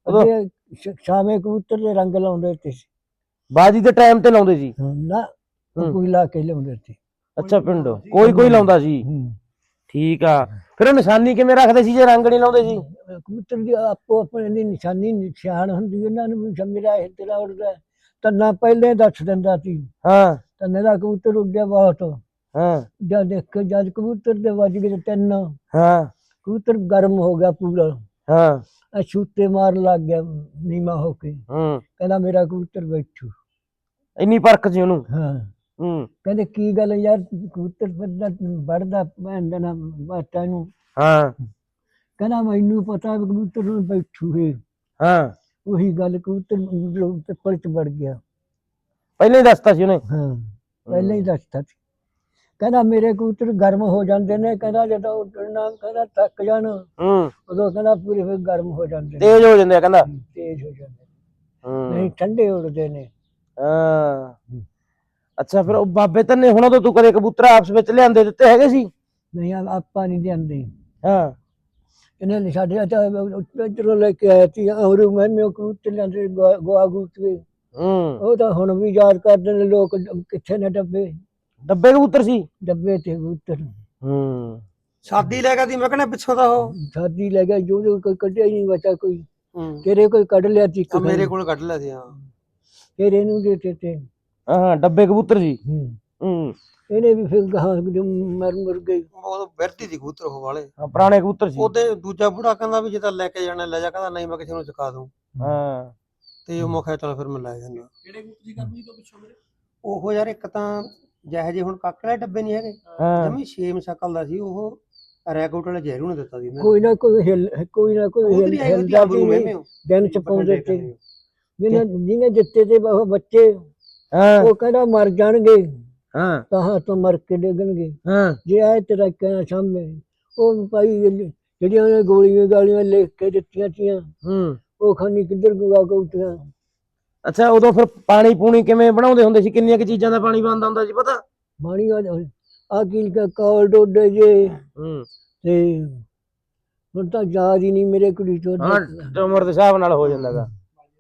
ਸ਼ਾਮੇ ਕਬੂਤਰ ਦੇ ਰੰਗ ਲਾਉਂਦੇ ਤੇ ਬਾਜੀ ਦੇ ਟਾਈਮ ਤੇ ਲਾਉਂਦੇ ਸੀ ਨਾ, ਹੂੰ। ਕੋਈ ਲਾ ਕੇ ਲਿਆਉਂਦੇ ਸੀ। ਅੱਛਾ ਪਿੰਡੋਂ ਕੋਈ ਕੋਈ ਲਾਉਂਦਾ ਸੀ। ਹੂੰ। ਠੀਕ ਆ, ਫਿਰ ਉਹ ਨਿਸ਼ਾਨੀ ਕਿਵੇਂ ਰੱਖਦੇ ਸੀ ਜੇ ਰੰਗ ਨਹੀਂ ਲਾਉਂਦੇ ਸੀ? ਕਬੂਤਰ ਦੀ ਆਪੋ ਆਪਣੇ ਦੀ ਨਿਸ਼ਾਨੀ ਨਿਸ਼ਾਨ ਹੁੰਦੀ ਉਹਨਾਂ ਨੂੰ ਵੀ ਮੇਰਾ ਇਹ ਤੇਰਾ ਉੱਡਦਾ ਤੰਨਾ ਪਹਿਲੇ ਦੱਸ ਦਿੰਦਾ ਸੀ। ਹਾਂ ਤੰਨੇ ਦਾ ਕਬੂਤਰ ਉੱਡਿਆ ਬਹੁਤ। ਹਾਂ ਜਦ ਦੇਖ ਜਦ ਕਬੂਤਰ ਦੇ ਵੱਜ ਗਏ ਤਿੰਨ, ਹਾਂ ਕਬੂਤਰ ਗਰਮ ਹੋ ਗਿਆ ਪੂਰਾ, ਹਾਂ ਆ ਛੂਤੇ ਮਾਰਨ ਲੱਗ ਗਿਆ ਨੀਮਾ ਹੋ ਕੇ, ਹੂੰ। ਕਹਿੰਦਾ ਮੇਰਾ ਕਬੂਤਰ ਬੈਠੂ। ਇੰਨੀ ਪਰਖ ਸੀ ਉਹਨੂੰ। ਹਾਂ ਹੂੰ। ਕਹਿੰਦੇ ਕੀ ਗੱਲ ਯਾਰ ਕਬੂਤਰ ਵੱਡਾ ਵੜਦਾ ਭੈਣ ਦਾ ਨਾ ਬਾਟਾ ਨੂੰ। ਹਾਂ ਕਹਿੰਦਾ ਮੈਨੂੰ ਪਤਾ ਵੀ ਕਬੂਤਰ ਨੂੰ ਬੈਠੂ ਹੈ। ਹਾਂ ਉਹੀ ਗੱਲ ਕਬੂਤਰ ਪਿੱਪਲ ਚ ਵੜ ਗਿਆ। ਪਹਿਲਾਂ ਹੀ ਦੱਸਤਾ ਸੀ ਉਹਨੇ। ਹਾਂ ਪਹਿਲਾਂ ਹੀ ਦੱਸਤਾ ਸੀ। ਕਹਿੰਦਾ ਮੇਰੇ ਕਬੂਤਰ ਗਰਮ ਹੋ ਜਾਂਦੇ ਨੇ, ਕਹਿੰਦਾ ਜਦੋਂ ਉੱਡਣਾ ਕਹਿੰਦਾ ਥੱਕ ਜਾਣ ਹੂੰ। ਉਦੋਂ ਕਹਿੰਦਾ ਪੂਰੇ ਫਿਰ ਗਰਮ ਹੋ ਜਾਂਦੇ ਨੇ, ਤੇਜ਼ ਹੋ ਜਾਂਦੇ ਆ ਕਹਿੰਦਾ। ਤੇਜ਼ ਹੋ ਜਾਂਦੇ ਨੇ, ਹੂੰ। ਨਹੀਂ ਠੰਡੇ ਉੱਡਦੇ ਨੇ। ਹਾਂ ਅੱਛਾ, ਫਿਰ ਉਹ ਬਾਬੇ ਧੰਨੇ ਹੁਣਾਂ ਤੋਂ ਤੂੰ ਕਦੇ ਕਬੂਤਰ ਆਪਸ ਵਿੱਚ ਲਿਆਂਦੇ ਦਿੱਤੇ ਹੈਗੇ ਸੀ? ਨਹੀਂ ਆ- ਆਪਾਂ ਨਹੀਂ ਲਿਆਂਦੇ। ਹਾਂ ਇਹਨਾਂ ਨੇ ਸਾਡੇ ਇੱਧਰੋਂ ਲੈ ਕੇ ਆਇਆ ਸੀ ਔਰ ਮੈਨੂੰ ਕਬੂਤਰ ਲਿਆਂਦੇ ਗੋਆ ਗੋਆ ਕਬੂਤਰ। ਹੂੰ। ਉਹ ਤਾਂ ਹੁਣ ਵੀ ਯਾਦ ਕਰਦੇ ਨੇ ਲੋਕ, ਕਿੱਥੇ ਨੇ ਡੱਬੇ ਡੱਬੇ ਕਬੂਤਰ ਸੀ। ਡੱਬੇ ਤੇ ਕਬੂਤਰ। ਹੂੰ। ਸ਼ਾਦੀ ਲੈ ਗਿਆ ਦੀ ਮੈਂ ਕਹਿੰਦਾ ਪਿੱਛੋਂ ਦਾ ਉਹ। ਸ਼ਾਦੀ ਲੈ ਗਿਆ ਜੋ ਜੋ ਕੋਈ ਕੱਢਿਆ ਹੀ ਨਹੀਂ ਬਚਾ ਕੋਈ। ਹੂੰ। ਤੇਰੇ ਕੋਈ ਕੱਢ ਲਿਆ ਸੀ ਇੱਕ ਆ ਮੇਰੇ ਕੋਲ ਕੱਢ ਲਿਆ ਸੀ ਹਾਂ। ਫਿਰ ਇਹਨੂੰ ਦੇ ਦਿੱਤੇ। ਹਾਂ ਡੱਬੇ ਕਬੂਤਰ ਸੀ। ਹੂੰ। ਹੂੰ। ਇਹਨੇ ਵੀ ਫਿਰ ਗਾਂ ਮਰ ਮੁਰ ਗਈ। ਉਹ ਵਰਤੀ ਦੀ ਕਬੂਤਰ ਉਹ ਵਾਲੇ ਹਾਂ ਪੁਰਾਣੇ ਕਬੂਤਰ ਸੀ। ਉਹਦੇ ਦੂਜਾ ਬੁੜਾ ਕਹਿੰਦਾ ਵੀ ਜੇ ਤਾਂ ਲੈ ਕੇ ਜਾਣਾ ਲੈ ਜਾ, ਕਹਿੰਦਾ ਨਹੀਂ ਮੈਂ ਕਿਸੇ ਨੂੰ ਚੁਕਾ ਦੂੰ। ਹਾਂ ਤੇ ਉਹ ਮੈਂ ਕਿਹਾ ਚੱਲ ਫਿਰ ਮੈਂ ਲੈ ਜਾਂਦਾ। ਕਿਹੜੇ ਕਬੂਤਰ ਦੀ ਕਰਨੀ ਤੋਂ ਪਿੱਛੋਂ ਮੇਰੇ? ਉਹ ਯਾਰ ਇੱਕ ਤਾਂ ਜਿਹੇ ਜਿਹੇ ਹੁਣ ਕਾਕੜੇ ਡੱਬੇ ਨਹੀਂ ਹੈਗੇ, ਹਾਂ ਜਮੀ ਛੇਮ ਸ਼ਕਲ ਦਾ ਸੀ ਉਹ। ਰੈਕੋਟ ਵਾਲੇ ਜ਼ਹਿਰੂ ਨੇ ਦਿੱਤਾ ਸੀ ਇਹਨਾਂ ਕੋਈ ਨਾ ਕੋਈ ਹਿਲ ਕੋਈ ਨਾ ਕੋਈ ਹਿਲ- ਹਿਲਦਾ ਸੀ ਨਹੀਂ, ਦਿਨ ਚ ਪਾਉਂਦੇ ਤੇ ਜਿਹਨੇ ਜਿਹਨੇ ਦਿੱਤੇ ਤੇ ਉਹ ਬੱਚੇ ਹਾਂ ਉਹ ਕਹਿੰਦਾ ਮਰ ਜਾਣਗੇ, ਹਾਂ ਕਹਾਂ ਤੋਂ ਮਰ ਕੇ ਡਿੱਗਣਗੇ ਹਾਂ ਜੇ ਆਏ ਤੇਰਾ ਕਹਿਣਾ ਸਾਹਮਣੇ। ਉਹ ਭਾਈ ਜਿਹੜੀਆਂ ਉਹਨੇ ਗੋਲੀਆਂ ਗਾਲੀਆਂ ਲਿਖ ਕੇ ਦਿੱਤੀਆਂ ਸੀਆਂ ਹੂੰ। ਉਹ ਖਾਨੀ ਕਿੱਧਰ ਗੁਆ ਗਊਟੀਆਂ। ਅੱਛਾ ਉਦੋਂ ਫਿਰ ਪਾਣੀ ਪੂਣੀ ਕਿਵੇਂ ਬਣਾਉਂਦੇ ਹੁੰਦੇ ਸੀ? ਕਿੰਨੀਆਂ ਕੁ ਚੀਜ਼ਾਂ ਦਾ ਪਾਣੀ ਬਣਦਾ ਹੁੰਦਾ ਸੀ ਪਤਾ? ਮਾਣੀ ਆ ਕੀ ਕੌਲ ਡੋਡੇ ਜੇ ਹੂੰ। ਤੇ ਹੁਣ ਤਾਂ ਯਾਦ ਹੀ ਨਹੀਂ ਮੇਰੇ ਕੁੜੀ ਤੋਂ। ਹਾਂ ਉਮਰ ਦੇ ਹਿਸਾਬ ਨਾਲ ਹੋ ਜਾਂਦਾ ਗਾ।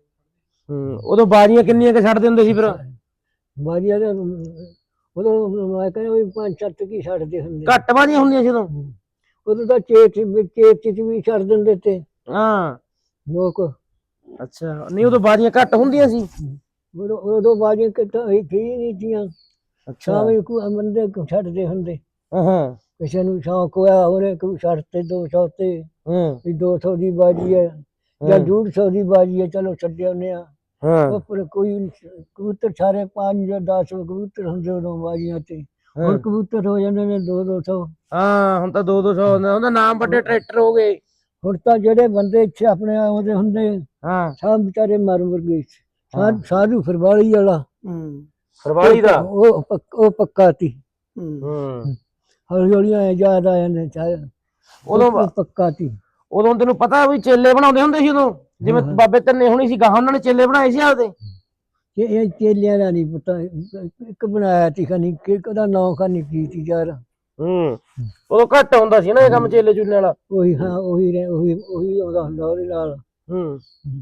ਹੂੰ। ਉਦੋਂ ਬਾਜ਼ੀਆਂ ਕਿੰਨੀਆਂ ਕੁ ਛੱਡਦੇ ਹੁੰਦੇ ਸੀ ਫਿਰ? ਬਾਜੀਆਂ ਦਾ ਉਦੋਂ ਮੈਂ ਕਹਿੰਦਾ ਵੀ ਪੰਜ ਸੱਤ ਕੀ ਛੱਡਦੇ ਹੁੰਦੇ। ਘੱਟ ਬਾਜ਼ੀਆਂ ਹੁੰਦੀਆਂ ਸੀ ਉਦੋਂ? ਉਦੋਂ ਤਾਂ ਚੇਤ ਚੇਤ ਚ ਵੀ ਛੱਡ ਦਿੰਦੇ ਤੇ ਹਾਂ ਲੋਕ। ਅੱਛਾ ਨਹੀਂ ਉਦੋਂ ਬਾਜ਼ੀਆਂ ਘੱਟ ਹੁੰਦੀਆਂ ਸੀ? ਉਦੋਂ ਉਦੋਂ ਬਾਜੀਆਂ ਕਿਤਾ ਹੀ ਨਹੀਂ ਤੀਆਂ। ਅੱਛਾ ਸ਼ਾਮੀ ਕੋ ਬੰਦੇ ਛੱਡਦੇ ਹੁੰਦੇ। ਹਾਂ ਹਾਂ ਕਿਸੇ ਨੂੰ ਸ਼ੌਕ ਹੋਇਆ ਉਹਨੇ ਕੋਈ ਛੱਡ ਤੇ ਦੋ ਸੌ ਤੇ ਹੂੰ ਵੀ ਦੋ ਸੌ ਦੀ ਬਾਜੀ ਹੈ ਜਾਂ ਡੂਢ ਸੌ ਦੀ ਬਾਜੀ ਹੈ, ਚਲੋ ਛੱਡੇ ਆਉਂਦੇ ਆ। ਹਾਂ ਉਹ ਪਰ ਕੋਈ ਕਬੂਤਰ ਸਾਰੇ ਪੰਜ ਜਾਂ ਦਸ ਕਬੂਤਰ ਹੁੰਦੇ ਉਦੋਂ ਬਾਜੀਆਂ ਤੇ। ਹੁਣ ਕਬੂਤਰ ਹੋ ਜਾਂਦੇ ਨੇ ਦੋ ਦੋ ਸੌ। ਹਾਂ ਹੁਣ ਤਾਂ ਦੋ ਦੋ ਸੌ ਉਹਦਾ ਨਾਮ ਵੱਡੇ ਟਰੈਕਟਰ ਹੋ ਗਏ। ਹੁਣ ਤਾਂ ਜਿਹੜੇ ਬੰਦੇ ਇੱਥੇ ਆਪਣੇ ਆਉਂਦੇ ਹੁੰਦੇ ਹਾਂ ਸਭ ਵਿਚਾਰੇ ਮਰ ਮੁਰ ਗਏ। ਸਾਧੂ ਫਰਵਾਲੀ ਵਾਲਾ ਹੂੰ ਫਰਵਾਲੀ ਦਾ ਉਹ ਪੱਕ- ਉਹ ਪੱਕਾ ਸੀ। ਹੂੰ ਹੌਲੀ ਹੌਲੀ ਆਏ ਯਾਦ ਆ ਜਾਂਦੇ ਚਾਹੇ ਉਦੋਂ ਉਹ ਪੱਕਾ ਸੀ। ਉਦੋਂ ਤੈਨੂੰ ਪਤਾ ਵੀ ਚੇਲੇ ਬਣਾਉਂਦੇ ਹੁੰਦੇ ਸੀ ਉਦੋਂ? ਜਿਵੇਂ ਬਾਬੇ ਧੰਨੇ ਹੋਣੀ ਸੀ ਗਾਹਾਂ ਉਹਨਾਂ ਨੇ ਚੇਲੇ ਬਣਾਏ ਸੀ ਆਪਦੇ? ਇਹ ਇਹ ਚੇਲਿਆਂ ਦਾ ਨਹੀਂ ਪਤਾ। ਇੱਕ ਬਣਾਇਆ ਸੀ ਖਾਨੀ ਕਿ ਉਹਦਾ ਨਾਂ ਖਾਨੀ ਕੀ ਸੀ ਯਾਰ। ਹੂੰ। ਉਦੋਂ ਘੱਟ ਹੁੰਦਾ ਸੀ ਨਾ ਇਹ ਕੰਮ ਚੇਲੇ ਚੂਲੇ ਵਾਲਾ। ਉਹੀ ਹਾਂ ਉਹੀ ਰਹਿ- ਉਹੀ ਉਹੀ ਆਉਂਦਾ ਹੁੰਦਾ ਉਹਦੇ ਨਾਲ। ਹੂੰ।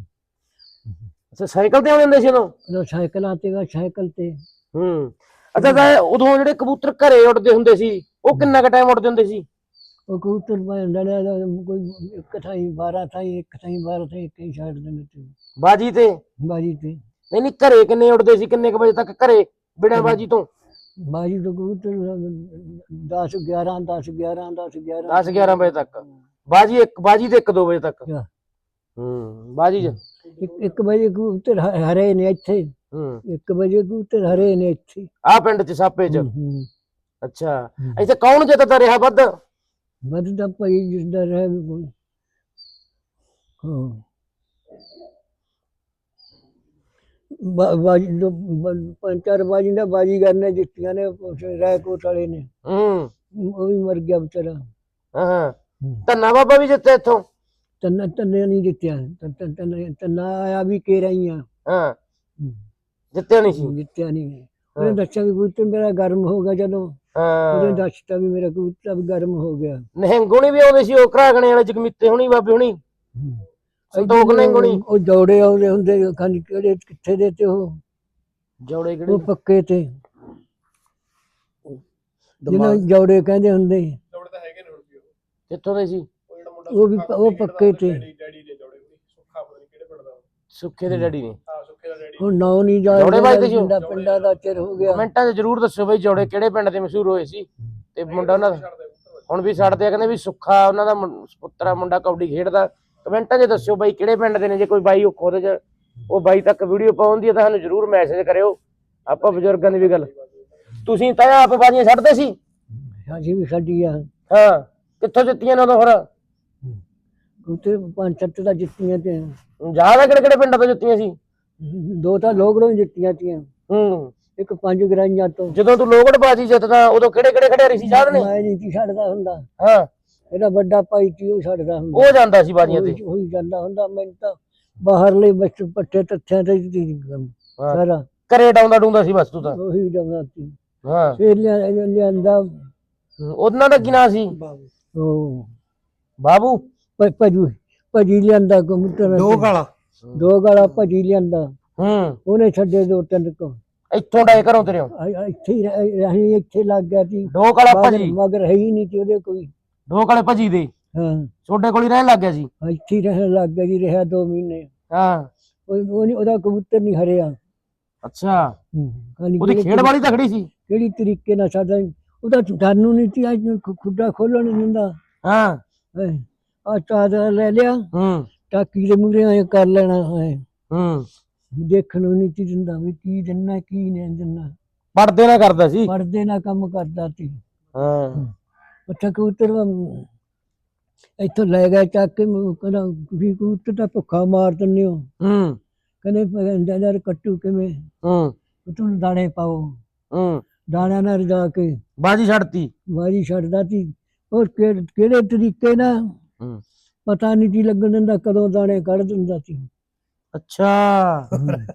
ਅੱਛਾ ਸਾਈਕਲ ਤੇ ਆਉਂਦੇ ਹੁੰਦੇ ਸੀ ਉਦੋਂ? ਉਦੋਂ ਸਾਈਕਲਾਂ ਤੇ ਗਾ ਸਾਈਕਲ ਤੇ। ਹੂੰ। ਅੱਛਾ ਤਾਂ ਉਦੋਂ ਜਿਹੜੇ ਕਬੂਤਰ ਘਰੇ ਉੱਡਦੇ ਹੁੰਦੇ ਸੀ ਉਹ ਕਿੰਨਾ ਕੁ ਟਾਈਮ ਉੱਡਦੇ ਹੁੰਦੇ ਸੀ? ਉਹ ਕਬੂਤਰ ਲੜਿਆ ਕੋਈ ਇੱਕ ਥਾਈ ਬਾਰਾਂ ਥਾਈ ਇੱਕ ਥਾਈ ਬਾਰਾਂ ਥਾਈ ਇੱਕ ਹੀ ਛੱਡ ਦਿੰਦੇ ਤੇ ਬਾਜੀ ਤੇ? ਬਾਜੀ ਤੇ। ਨਹੀਂ ਨਹੀਂ ਘਰੇ ਕਿੰਨੇ ਉੱਡਦੇ ਸੀ? ਕਿੰਨੇ ਕੁ ਵਜੇ ਤੱਕ ਘਰੇ ਬਿਨਾਂ ਬਾਜੀ ਤੋਂ? ਬਾਜੀ ਤੋਂ ਕਬੂਤਰ ਦਸ ਗਿਆਰਾਂ ਦਸ ਗਿਆਰਾਂ ਦਸ ਗਿਆਰਾਂ ਦਸ ਗਿਆਰਾਂ ਵਜੇ ਤੱਕ ਬਾਜੀ? ਇੱਕ ਬਾਜੀ ਤੇ ਇੱਕ ਦੋ ਵਜੇ ਤੱਕ? ਹਾਂ। ਹੂੰ। ਬਾਜੀ ਚ ਇੱਕ ਇੱਕ ਵਜੇ ਕਬੂਤਰ ਹ- ਹਰੇ ਨੇ ਇੱਥੇ। ਹੂੰ। ਇੱਕ ਵਜੇ ਕਬੂਤਰ ਹਰੇ ਨੇ ਇੱਥੇ। ਆਹ ਪਿੰਡ ਚ ਸਾਪੇ ਚ? ਹੂੰ। ਅੱਛਾ ਇੱਥੇ ਕੌਣ ਜਿੱਤਦਾ ਰਿਹਾ ਵੱਧ? ਵੱਧਦਾ ਭਾਈ ਜਿਸਦਾ ਰਹਿ ਵੀ ਕੋਈ। ਹਾਂ ਬਾ- ਬਾਜੀ ਦੋ ਬ- ਪੰਜ ਚਾਰ ਬਾਜੀ ਦਾ ਬਾਜੀ ਕਰਨੇ ਜਿੱਤੀਆਂ ਨੇ ਰਾਏਕੋਟ ਵਾਲੇ ਨੇ। ਹੂੰ। ਉਹ ਵੀ ਮਰ ਗਿਆ ਵਿਚਾਰਾ। ਹਾਂ ਹਾਂ ਧੰਨਾ ਬਾਬਾ ਵੀ ਜਿੱਤੇ ਇੱਥੋਂ? ਤੰਨਾ ਤੰਨੇ ਨਹੀਂ ਜਿੱਤਿਆ। ਤੰਨ- ਤੰਨ- ਤੰਨ- ਤੰਨਾ ਆਇਆ ਵੀ ਕੇ ਰਹੀ ਆ। ਹਾਂ ਜਿੱਤਿਆ ਨਹੀਂ ਸੀ? ਜਿੱਤਿਆ ਨਹੀਂ। ਉਹਨੇ ਦੱਸਿਆ ਵੀ ਕਬੂਤਰ ਮੇਰਾ ਗਰਮ ਹੋ ਗਿਆ ਜਦੋਂ। ਉਹਨੇ ਹਾਂ ਦੱਸਤਾ ਵੀ ਮੇਰਾ ਕਬੂਤਰ ਵੀ ਗਰਮ ਹੋ ਗਿਆ। ਨਿਹੰਗੁਣੀ ਵੀ ਆਉਂਦੇ ਸੀ ਉਹ ਘਰਾਗਣੇ ਵਾਲੇ ਜਗਮੀਤੇ ਹੁਣੀ ਬਾਬੇ ਹੁਣੀ ਸੰਤੋਖ ਨਿਹੰਗੁਣੀ? ਉਹ ਦੌੜੇ ਆਉਂਦੇ ਹੁੰਦੇ ਖਾਨੀ ਕਿਹੜੇ ਕਿੱਥੇ ਦੇ ਤੇ ਉਹ ਜੋੜੇ ਉਹ ਕਿਹੜੇ? ਪੱਕੇ ਤੇ ਜਿਹਨਾਂ ਨੂੰ ਜੌੜੇ ਕਹਿੰਦੇ ਹੁੰਦੇ ਸੀ। ਜੋੜੇ ਤਾਂ ਹੈਗੇ ਨੇ ਹੁਣ ਵੀ ਉਹ ਕਿੱਥੋਂ ਦੇ ਸੀ? ਉਹ ਜਿਹੜਾ ਮੁੰਡਾ ਉਹ ਵੀ ਸੁੱਖਾ ਉਹ ਕਬੱਡੀ ਪੱਕੇ ਖੇਡਦਾ, ਤੇ ਡੈਡੀ ਡੈਡੀ ਦੇ ਜੋੜੇ ਵੀ ਸੁੱਖਾ ਪਤਾ ਨਹੀਂ ਕਿਹੜੇ ਪਿੰਡ ਦਾ ਉਹ। ਸੁੱਖੇ ਦੇ ਡੈਡੀ ਨੇ। ਹਾਂ ਸੁੱਖੇ ਦਾ ਡੈਡੀ ਹੁਣ ਨਾਂ ਨਹੀਂ ਜੌੜੇ ਬਾਈ ਤੇ ਜਾਣਦੇ ਜੋ? ਪਿੰਡਾਂ ਪਿੰਡਾਂ ਦਾ ਚਿਰ ਹੋ ਗਿਆ। ਕਮੈਂਟਾਂ 'ਚ ਜਰੂਰ ਦੱਸਿਓ ਬਈ ਜੋੜੇ ਕਿਹੜੇ ਪਿੰਡ ਦੇ ਮਸ਼ਹੂਰ ਹੋਏ ਸੀ ਤੇ ਮੁੰਡਾ ਉਹਨਾਂ ਦਾ ਛੱਡਦੇ ਪੁੱਤਰ ਹੁਣ ਵੀ ਛੱਡਦੇ ਆ, ਕਹਿੰਦੇ ਵੀ ਸੁੱਖਾ ਉਹਨਾਂ ਦਾ ਮੁੰ- ਪੁੱਤਰ ਆ, ਮੁੰਡਾ ਕਬੱਡੀ ਖੇਡਦਾ। ਕਮੈਂਟਾਂ 'ਚ ਦੱਸਿਓ ਬਾਈ ਕਿਹੜੇ ਪਿੰਡ ਦੇ ਨੇ। ਜੇ ਕੋਈ ਬਾਈ ਉਹ ਖੁਦ 'ਚ ਉਹ ਬਾਈ ਤੱਕ ਵੀਡੀਓ ਪਾਉਂਦੀ ਹੈ ਤਾਂ ਸਾਨੂੰ ਜਰੂਰ ਮੈਸੇਜ ਕਰਿਓ। ਆਪਾਂ ਬਜ਼ੁਰਗਾਂ ਦੀ ਵੀ ਗੱਲ, ਤੁਸੀਂ ਤਾਂ ਆਪ ਬਾਜ਼ੀਆਂ ਛੱਡਦੇ ਸੀ? ਸਾਡੀ ਵੀ ਸਾਡੀ ਆ ਹਾਂ, ਕਿੱਥੋਂ ਜਿੱਤੀਆਂ ਨੇ ਉਦੋਂ ਫਿਰ? ਉੱਥੇ ਪੰਜ ਸੱਤ ਦਾ ਜਿੱਤੀਆਂ ਤੇ ਯਾਦ ਆ ਕਿਹੜੇ ਕਿਹੜੇ ਪਿੰਡਾਂ ਤੋਂ ਜਿੱਤੀਆਂ ਸੀ? ਦੋ ਤਾਂ ਲੋਕੜੋਂ ਜਿੱਤੀਆਂ ਤੀਆਂ, ਹੂੰ, ਇੱਕ ਪੰਜ ਗਰਾਈਆਂ ਤੋਂ। ਜਦੋਂ ਤੂੰ ਲੋਗੜ ਬਾਜੀ ਜਿੱਤਦਾ ਉਦੋਂ ਕਿਹੜੇ ਕਿਹੜੇ ਖਿਡਾਰੀ ਸੀ ਯਾਦ ਨੇ? ਮੈਂ ਨਹੀਂ ਸੀ ਛੱਡਦਾ ਹੁੰਦਾ, ਹਾਂ, ਇਹਦਾ ਵੱਡਾ ਭਾਈ ਸੀ ਉਹ ਛੱਡਦਾ ਹੁੰਦਾ। ਉਹ ਜਾਂਦਾ ਸੀ ਬਾਜੀਆਂ ਤੇ। ਉਹੀ ਉਹੀ ਜਾਂਦਾ ਹੁੰਦਾ। ਮੈਨੂੰ ਤਾਂ ਬਾਹਰਲੇ ਬੱਚ ਪੱਟੇ ਤੱਥਿਆਂ ਤੇ ਹੀ ਸੀ ਕੰਮ ਹਾਂ, ਸਾਰਾ, ਘਰੇ ਡਾਉਂਦਾ ਡੂੰਦਾ ਸੀ ਬਸ ਤੂੰ ਤਾਂ। ਉਹੀ ਜਾਂਦਾ ਸੀ। ਹਾਂ, ਫੇਰ ਲਿਆ ਲਿਆਂਦਾ ਹੂੰ, ਉਹਨਾਂ ਦਾ ਕੀ ਨਾਂ ਸੀ? ਉਹ ਬਾਬੂ। ਭ- ਭਜੂ ਭਜੀ ਲਿਆਂਦਾ ਕਬੂਤਰ ਦੋ ਗਾਲਾਂ ਦੋ ਗਾਲਾ ਭਜੀ ਲਿਆਂਦਾ, ਹੂੰ, ਉਹਨੇ ਛੱਡੇ ਦੋ ਤਿੰਨ ਕੁ। ਇੱਥੋਂ ਡਾਏ ਘਰੋਂ ਤੇਰੇ ਆ- ਆ- ਇੱਥੇ ਹੀ ਰਹਿ- ਅਸੀਂ ਇੱਥੇ ਲੱਗ ਗਿਆ ਸੀ। ਦੋ ਕਾਲਾ ਮਗਰ ਭਜੀ, ਮਗਰ ਹੈ ਹੀ ਨਹੀਂ ਸੀ ਉਹਦੇ ਕੋਈ। ਦੋ ਕਾਲੇ ਭਜੀ ਦੇ ਹਾਂ, ਛੋਡੇ ਕੋਲ ਹੀ ਰਹਿਣ ਲੱਗ ਗਿਆ ਸੀ। ਇੱਥੇ ਹੀ ਰਹਿਣ ਲੱਗ ਗਿਆ ਜੀ, ਰਿਹਾ ਦੋ ਮਹੀਨੇ। ਹਾਂ, ਉਹ ਉਹ ਨੀ- ਉਹਦਾ ਕਬੂਤਰ ਨਹੀਂ ਹਰਿਆ। ਅੱਛਾ, ਹੂੰ, ਖਾਲੀ ਉਹਦੀ ਕਿਹੜੇ ਖੇਡ ਵਾਲੀ ਤਕੜੀ ਸੀ। ਕਿਹੜੀ ਤਰੀਕੇ ਨਾਲ ਸਾਡਾ ਉਹਦਾ ਸਾਨੂੰ ਨਹੀਂ ਸੀ ਅੱਜ ਖੁ- ਖੁੱਡਾ ਖੋਲਣ ਨਹੀਂ ਦਿੰਦਾ। ਹਾਂ, ਆ ਚਾਦਰ ਲੈ ਲਿਆ, ਹੂੰ, ਟਾਕੀ ਦੇ ਮੂਹਰੇ ਐ ਕਰ ਲੈਣਾ ਹੈ, ਹੂੰ, ਦੇਖਣ ਨੂੰ ਨਹੀਂ ਸੀ ਦਿੰਦਾ ਵੀ ਕੀ ਦਿੰਨਾ ਕੀ ਨਹੀਂ ਦਿੰਨਾ। ਪੜਦੇ ਨਾ ਕਰਦਾ ਸੀ। ਪੜਦੇ ਨਾਲ ਕੰਮ ਕਰਦਾ ਸੀ। ਹਾਂ, ਉੱਥੇ ਕਬੂਤਰ ਵਾ- ਇੱਥੋਂ ਲੈ ਗਿਆ ਚੱਕ ਕੇ, ਮੈਨੂੰ ਕਹਿੰਦਾ ਵੀ ਕਬੂਤਰ ਤਾਂ ਭੁੱਖਾ ਮਾਰ ਦਿੰਦੇ ਹੋ। ਹੂੰ, ਕਹਿੰਦੇ ਯਾਰ ਕੱਟੂ ਕਿਵੇਂ, ਹੂੰ, ਤੁਹਾਨੂੰ ਦਾਣੇ ਪਾਓ। ਹੂੰ, ਦਾਣਿਆਂ ਨਾਲ ਰਜਾ ਕੇ ਬਾਜੀ ਛੱਡਤੀ। ਵਾਰੀ ਛੱਡਦਾ ਸੀ। ਉਹ ਕਿ- ਕਿਹੜੇ ਤਰੀਕੇ ਨਾਲ ਹੂੰ, ਪਤਾ ਨਹੀਂ ਕੀ ਲੱਗਣ ਦਿੰਦਾ, ਕਦੋਂ ਦਾਣੇ ਕੱਢ ਦਿੰਦਾ ਸੀ। ਅੱਛਾ,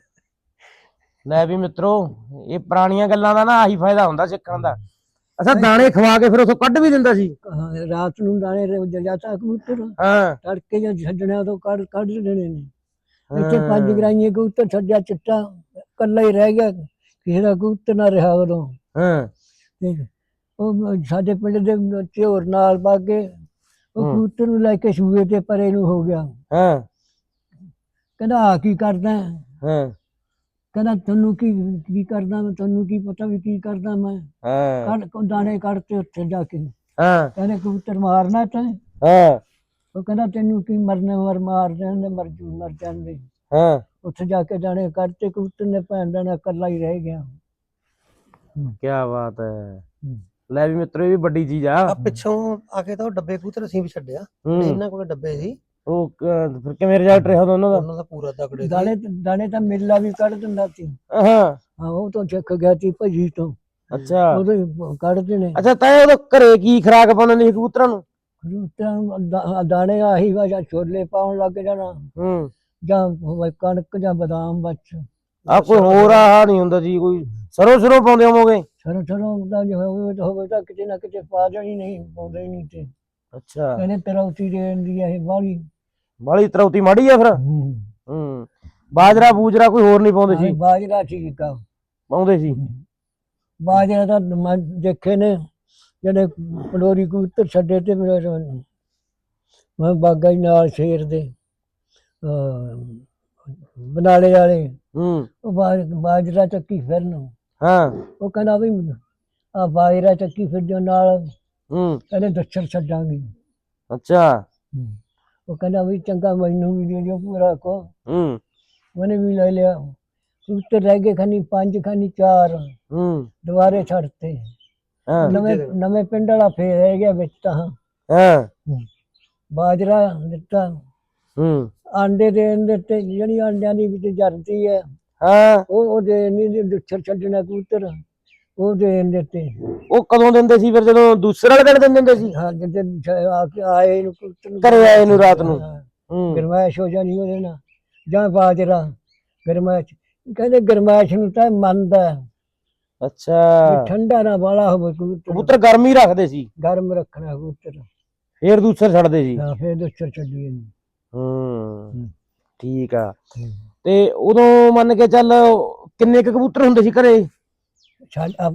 ਲੈ ਵੀ ਮਿੱਤਰੋ, ਇਹ ਪੁਰਾਣੀਆਂ ਗੱਲਾਂ ਦਾ ਨਾ ਆਹੀ ਫਾਇਦਾ ਹੁੰਦਾ ਸਿੱਖਣ ਦਾ। ਅੱਛਾ, ਦਾਣੇ ਖਵਾ ਕੇ ਫਿਰ ਉਥੋਂ ਕੱਢ ਵੀ ਦਿੰਦਾ ਸੀ। ਹਾਂ, ਰਾਤ ਨੂੰ ਦਾਣੇ ਜਾਂਦਾ ਕਬੂਤਰ, ਹਾਂ, ਤੜਕੇ ਜਦ ਛੱਡਣਾ ਉਦੋਂ ਕੱਢ ਕੱਢ ਦੇਣੇ ਨੇ। ਇੱਥੇ ਪੰਜ ਗਰਾਈਆਂ ਕਬੂਤਰ ਛੱਡਿਆ ਚਿੱਟਾ, ਕੱਲਾ ਹੀ ਰਹਿ ਗਿਆ, ਕਿਸੇ ਦਾ ਕਬੂਤਰ ਨਾ ਰਿਹਾ ਉਦੋਂ। ਹਾਂ, ਤੇ ਉਹ ਸਾਡੇ ਪਿੰਡ ਦੇ ਝੋਰ ਨਾਲ ਬਾਗੇ, ਉਹ ਹੂੰ। ਕਬੂਤਰ ਨੂੰ ਲੈ ਕੇ ਸੂਏ ਤੇ ਪਰੇ ਨੂੰ ਹੋ ਗਿਆ। ਹਾਂ, ਕਹਿੰਦਾ ਆ ਕੀ ਕਰਦਾ? ਹਾਂ, ਕਹਿੰਦਾ ਤੈਨੂੰ ਕੀ ਕੀ ਕਰਦਾ ਮੈਂ, ਤੈਨੂੰ ਕੀ ਪਤਾ ਵੀ ਕੀ ਕਰਦਾ ਮੈਂ। ਹਾਂ, ਕੱਢ ਦਾਣੇ ਕੱਢਤੇ ਉੱਥੇ ਜਾ ਕੇ। ਹਾਂ, ਕਹਿੰਦੇ ਕਬੂਤਰ ਮਾਰਨਾ ਤੈਂ? ਹਾਂ, ਉਹ ਕਹਿੰਦਾ ਤੈਨੂੰ ਕੀ ਮਰਨੇ ਮਰ ਮਾਰ ਜਾਂਦੇ, ਮਰ ਜੂ ਮਰ ਜਾਂਦੇ। ਹਾਂ, ਉੱਥੇ ਜਾ ਕੇ ਦਾਣੇ ਕੱਢਤੇ, ਕਬੂਤਰ ਨੇ ਭੈਣ ਦਾਣਾ ਇਕੱਲਾ ਹੀ ਰਹਿ ਗਿਆ। ਕੀ ਬਾਤ ਹੈ। ਲੈ ਵੀ ਮਿੱਤਰੋ, ਇਹ ਵੀ ਵੱਡੀ ਚੀਜ਼ ਆ। ਆ ਪਿੱਛੋਂ ਆ ਕੇ ਤਾਂ ਉਹ ਡੱਬੇ ਕਬੂਤਰ ਅਸੀਂ ਵੀ ਛੱਡਿਆ, ਹੂੰ, ਇਹਨਾਂ ਕੋਲ ਡੱਬੇ ਸੀ, ਉਹ ਕ- ਫਿਰ ਕਿਵੇਂ ਰਿਜ਼ਲਟ ਰਿਹਾ ਦੋਨੋਂ ਦਾ? ਉਹਨਾਂ ਦਾ ਪੂਰਾ ਤਕੜੇ ਦਾਣੇ ਦਾਣੇ ਤਾਂ ਮੇਲਾ ਵੀ ਕੱਢ ਦਿੰਦਾ ਸੀ। ਹਾਂ, ਹਾਂ, ਉਹ ਤੋਂ ਸਿੱਖ ਗਿਆ ਸੀ ਭਜੀ ਤੋਂ, ਅੱਛਾ, ਉਹਦੇ ਕੱਢਦੇ ਨੇ। ਅੱਛਾ, ਤਾਂ ਉਹਦੇ ਘਰੇ ਕੀ ਖਰਾਕ ਪਾਉਂਦੇ ਨੇ ਸੀ ਕਬੂਤਰਾਂ ਨੂੰ? ਕਬੂਤਰਾਂ ਨੂੰ ਦਾ- ਦਾਣੇ ਆਹੀ ਵਾ, ਜਾਂ ਛੋਲੇ ਪਾਉਣ ਲੱਗ ਜਾਣਾ, ਹੂੰ, ਜਾਂ ਹੋਵੇ ਕਣਕ ਜਾਂ ਬਦਾਮ ਬੱਚ। ਆ ਕੋਈ ਹੋਰ ਆਹ ਨਹੀਂ ਹੁੰਦਾ ਜੀ, ਕੋਈ ਸਰੋਂ ਸਰੋਂ ਪਾਉਂਦੇ ਹੋਵੋਗੇ? ਸਰੋਂ ਸਰੋਂ ਦਾ ਜੇ ਹੋਵੇ ਤਾਂ ਹੋਵੇ ਤਾਂ ਕਿਤੇ ਨਾ ਕਿਤੇ ਪਾ ਜਾਣੀ, ਨਹੀਂ ਪਾਉਂਦੇ ਹੀ ਨਹੀਂ ਤੇ। ਅੱਛਾ, ਕਹਿੰਦੇ ਤਰੌਤੀ ਦੇਣ ਦੀ ਇਹ ਬਾਹਲੀ। ਬਾਲੀ ਤਰੌਤੀ ਮਾੜੀ ਆ ਫਿਰ। ਹੂੰ, ਬਾਜਰਾ ਬੂਜਰਾ ਕੋਈ ਹੋਰ ਨਹੀਂ ਪਾਉਂਦੇ ਸੀ? ਬਾਜਰਾ ਠੀਕ ਆ, ਪਾਉਂਦੇ ਸੀ। ਬਾਜਰਾ ਤਾਂ ਮੈਂ ਦੇਖੇ ਨੇ ਜਿਹੜੇ ਪਲੋਰੀ ਕਬੂਤਰ ਛੱਡੇ ਤੇ ਮੇਰੇ ਮੈਂ ਬਾਗਾ ਹੀ ਨਾਲ ਸ਼ੇਰ ਦੇ ਅਹ ਬਨਾਲੇ ਵਾਲੇ, ਹੂੰ, ਉਹ ਬਾਜ- ਬਾਜਰਾ ਚੱਕੀ ਫਿਰਨ। ਹਾਂ, ਉਹ ਕਹਿੰਦਾ ਵੀ ਆ ਬਾਜਰਾ ਚੱਕੀ ਫਿਰ ਜੋ ਨਾਲ ਹੂੰ, ਕਹਿੰਦੇ ਦੱਛਰ ਛੱਡਾਂਗੇ। ਅੱਛਾ, ਉਹ ਕਹਿੰਦਾ ਵੀ ਚੰਗਾ ਮੈਨੂੰ ਵੀ ਦੇ ਦਿਓ ਪੂਰਾ ਕੋ। ਹੂੰ, ਉਹਨੇ ਵੀ ਲੈ ਲਿਆ। ਕਬੂਤਰ ਰਹਿ ਗਏ ਖਾਨੀ ਪੰਜ ਖਾਨੀ ਚਾਰ, ਹੂੰ, ਦੁਬਾਰੇ ਛੱਡਤੇ। ਹਾਂ, ਨਵੇਂ ਨਵੇਂ ਪਿੰਡ ਵਾਲਾ ਫੇਰ ਰਹਿ ਗਿਆ ਵਿੱਚ ਤਾਂ। ਹਾਂ, ਬਾਜਰਾ ਦਿੱਤਾ, ਹੂੰ, ਆਂਡੇ ਦੇਣ ਦਿੱਤੇ, ਜਿਹੜੀ ਆਂਡਿਆਂ ਦੀ ਵਿੱਚ ਜਰਦੀ ਹੈ ਹਾਂ, ਉਹ ਉਹ ਦੇ ਨਹੀਂ ਦੁੱਛਰ ਛੱਡਣਾ ਕਬੂਤਰ, ਉਹ ਦੇਣ ਦਿੱਤੇ। ਉਹ ਕਦੋਂ ਦਿੰਦੇ ਸੀ ਫਿਰ, ਜਦੋਂ ਦੂਸਰੇ ਵਾਲੇ ਦਿਨ ਦਿਨ ਦਿੰਦੇ ਸੀ? ਹਾਂ, ਜਿੱਦੇ ਆ ਕੇ ਆਏ ਨੂੰ ਕਬੂਤਰ ਨੂੰ ਘਰੇ ਆਏ ਨੂੰ ਰਾਤ ਨੂੰ। ਹਾਂ, ਹੂੰ, ਗਰਮੈਸ਼ ਹੋ ਜਾਣੀ ਉਹਦੇ ਨਾਲ, ਜਾਂ ਬਾਜਰਾ ਗਰਮੈਸ਼। ਕਹਿੰਦੇ ਗਰਮੈਸ਼ ਨੂੰ ਤਾਂ ਮੰਨਦਾ ਹੈ, ਅੱਛਾ, ਵੀ ਠੰਡਾ ਨਾ ਵਾਲਾ ਹੋਵੇ ਕਬੂਤਰ, ਕਬੂਤਰ ਗਰਮੀ ਰੱਖਦੇ ਸੀ, ਗਰਮ ਰੱਖਣਾ ਕਬੂਤਰ। ਫੇਰ ਦੂਸਰੇ ਛੱਡਦੇ ਸੀ। ਹਾਂ, ਫੇਰ ਦੁੱਛਰ ਛੱਡੀ ਇਹਨੂੰ। ਹੂੰ, ਠੀਕ ਆ। ਤੇ ਉਦੋਂ ਮੰਨ ਕੇ ਚੱਲ ਕਿੰਨੇ ਕੁ ਕਬੂਤਰ ਹੁੰਦੇ ਸੀ ਘਰੇ? ਛੱਡ ਆਪਣੇ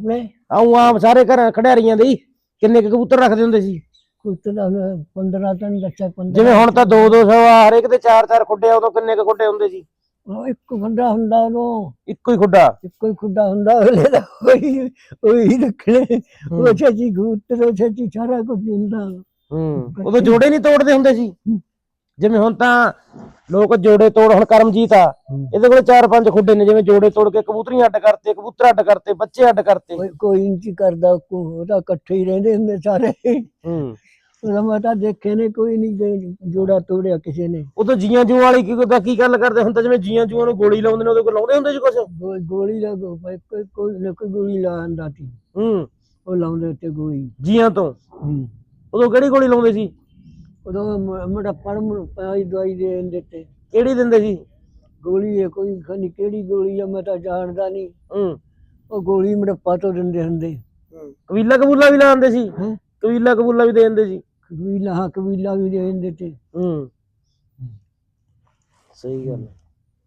ਆਉਂ ਆਮ ਸਾਰੇ ਘਰਾਂ ਖਿਡਾਰੀਆਂ ਦੇ ਹੀ ਕਿੰਨੇ ਕੁ ਕਬੂਤਰ ਰੱਖਦੇ ਹੁੰਦੇ ਸੀ? ਕੁੱਤੇ ਦਾ ਪੰਦਰਾਂ ਤਾਂ ਦੱਸਿਆ ਪੰਦਰਾਂ। ਜਿਵੇਂ ਹੁਣ ਤਾਂ ਦੋ ਦੋ ਸੌ ਆ, ਹਰੇਕ ਦੇ ਚਾਰ ਚਾਰ ਖੁੱਡੇ ਆ, ਉਦੋਂ ਕਿੰਨੇ ਕੁ ਖੁੱਡੇ ਹੁੰਦੇ ਸੀ? ਉਹ ਇੱਕ ਖੁੱਡਾ ਹੁੰਦਾ ਉਦੋਂ, ਇੱਕੋ ਹੀ ਖੁੱਡਾ? ਇੱਕੋ ਹੀ ਖੁੱਡਾ ਹੁੰਦਾ, ਅਗਲੇ ਦਾ ਉਹੀ ਉਹੀ ਰੱਖਣੇ। ਉਹ ਛੇਤੀ ਕਬੂਤਰ ਉਹ ਛੇਤੀ ਸਾਰਾ ਕੁਝ ਹੁੰਦਾ। ਹੂੰ ਉਦੋਂ ਜੋੜੇ ਨਹੀਂ ਤੋੜਦੇ ਹੁੰਦੇ ਸੀ? ਜਿਵੇਂ ਹੁਣ ਤਾਂ ਲੋਕ ਜੋੜੇ ਤੋੜ, ਹੁਣ ਕਰਮਜੀਤ ਆ ਇਹਦੇ ਕੋਲ ਚਾਰ ਪੰਜ ਖੁੱਡੇ ਨੇ, ਜਿਵੇਂ ਜੋੜੇ ਤੋੜ ਕੇ ਕਬੂਤਰੀ ਅੱਡ ਕਰਤੇ, ਕਬੂਤਰ ਅੱਡ ਕਰਤੇ, ਬੱਚੇ ਅੱਡ ਕਰਤੇ। ਕੋਈ ਕੋਈ ਇੰਚ ਕਰਦਾ, ਉਹ ਤਾਂ ਇਕੱਠੇ ਹੀ ਰਹਿੰਦੇ ਹੁੰਦੇ ਸਾਰੇ। ਹੂੰ ਉਹਦਾ ਮੈਂ ਤਾਂ ਦੇਖੇ ਨੇ, ਕੋਈ ਨਹੀਂ ਜੋੜਾ ਤੋੜਿਆ ਕਿਸੇ ਨੇ। ਉਦੋਂ ਜੀਆਂ ਜੂਆਂ ਵਾਲੀ ਕੀ ਦਾ ਕੀ ਗੱਲ ਕਰਦੇ? ਹੁਣ ਤਾਂ ਜਿਵੇਂ ਜੀਆਂ ਜੂਆਂ ਨੂੰ ਗੋਲੀ ਲਾਉਂਦੇ ਨੇ, ਉਹਦੇ ਕੋਲ ਲਾਉਂਦੇ ਹੁੰਦੇ ਸੀ ਕੁਛ? ਗੋ- ਗੋਲੀ ਦਾ ਗੋ- ਭਾਈ ਕੋਈ ਕੋਈ ਨਾ ਕੋਈ ਗੋਲੀ ਲਾਉਂਦਾ ਸੀ, ਹੂੰ ਉਹ ਲਾਉਂਦੇ ਉੱਤੇ ਗੋਲੀ। ਜੀਆਂ ਤੋਂ? ਹੂੰ ਉਦੋਂ ਕਿਹੜੀ ਗੋਲੀ ਲਾਉਂਦੇ ਸੀ? ਉਦੋਂ ਮੁੰਡਾ ਪੜ੍ਹਨ ਪਾਈ ਦਵਾਈ ਦੇ ਦਿੰਦੇ ਤੇ। ਕਿਹੜੀ ਦਿੰਦੇ ਸੀ? ਗੋਲੀ ਹੈ ਕੋਈ, ਖਨੀ ਕਿਹੜੀ ਗੋਲੀ ਆ ਮੈਂ ਤਾਂ ਜਾਣਦਾ ਨਹੀਂ। ਹੂੰ ਉਹ ਗੋਲੀ ਮੜੱਪਾ ਤੋਂ ਦਿੰਦੇ ਹੁੰਦੇ। ਕਬੀਲਾ ਕਬੂਲਾ ਵੀ ਲਾਉਂਦੇ ਸੀ? ਹੈਂ? ਕਬੀਲਾ ਕਬੂਲਾ ਵੀ ਦੇ ਦਿੰਦੇ ਸੀ? ਕਬੀਲਾ, ਹਾਂ ਕਬੀਲਾ ਵੀ ਦੇ ਦਿੰਦੇ ਤੇ। ਹੂੰ ਸਹੀ ਗੱਲ ਹੈ।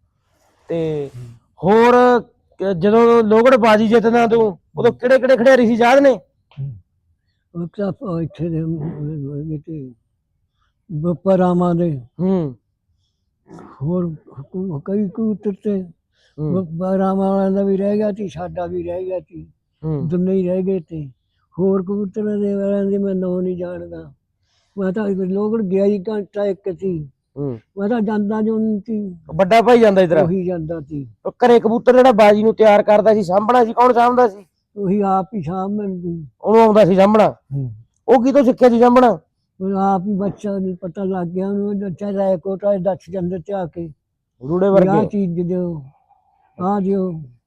ਤੇ ਹੋਰ ਕ- ਜਦੋਂ ਲੋਹਗੜ੍ਹ ਬਾਜੀ ਜਿੱਤਦਾ ਤੂੰ, ਉਦੋਂ ਕਿਹੜੇ ਕਿਹੜੇ ਖਿਡਾਰੀ ਸੀ ਯਾਦ ਨੇ? ਉਹ ਤਾਂ ਆਪਾਂ ਇੱਥੇ ਦੇ ਹੈਗੇ ਤੇ ਬੱਪਰਾਵਾਂ ਦੇ, ਹੂੰ ਹੋਰ ਕਈ- ਕਈ ਕਬੂਤਰ ਤੇ ਹੂੰ ਬੱਪਰਾਵਾਂ ਵਾਲਿਆਂ ਦਾ ਵੀ ਰਹਿ ਗਿਆ ਸੀ, ਸਾਡਾ ਵੀ ਰਹਿ ਗਿਆ ਸੀ, ਹੂੰ ਦੋਨੇ ਹੀ ਰਹਿ ਗਏ ਤੇ। ਹੋਰ ਕਬੂਤਰਾਂ ਦੇ ਵਾਲਿਆਂ ਦੇ ਮੈਂ ਨਾਂ ਨਹੀਂ ਜਾਣਦਾ। ਮੈਂ ਤਾਂ ਲੋਹਗੜ੍ਹ ਗਿਆ ਹੀ ਘੰਟਾ ਇੱਕ ਸੀ, ਹੂੰ ਮੈਂ ਤਾਂ ਜਾਂਦਾ ਜੋ ਨਹੀਂ ਸੀ, ਵੱਡਾ ਭਾਈ ਜਾਂਦਾ ਇਧਰ? ਉਹੀ ਜਾਂਦਾ ਸੀ। ਉਹ ਘਰੇ ਕਬੂਤਰ ਜਿਹੜਾ ਬਾਜੀ ਨੂੰ ਤਿਆਰ ਕਰਦਾ ਸੀ, ਸਾਂਭਣਾ ਸੀ ਕੌਣ ਸਾਂਭਦਾ ਸੀ? ਉਹੀ ਆਪ ਹੀ ਸਾਂਭ ਲੈਂਦੀ। ਉਹਨੂੰ ਆਉਂਦਾ ਸੀ ਸਾਂਭਣਾ? ਉਹ ਕਿਤੋਂ ਸਿੱਖਿਆ ਸੀ ਸਾਂਭਣਾ? ਉਹ ਆਪ ਹੀ ਬੱਚਾ ਨੂੰ ਪਤਾ ਲੱਗ ਗਿਆ, ਉਹਨੂੰ ਦੱਸਿਆ ਰਾਏ ਕੋਟਾ ਦੱਸ ਜਾਂਦੇ ਤੇ ਆ ਕੇ ਰੂੜੇ ਆਹ ਵਰਗੇ? ਚੀਜ਼ ਦਿਓ, ਆਹ ਦਿਓ।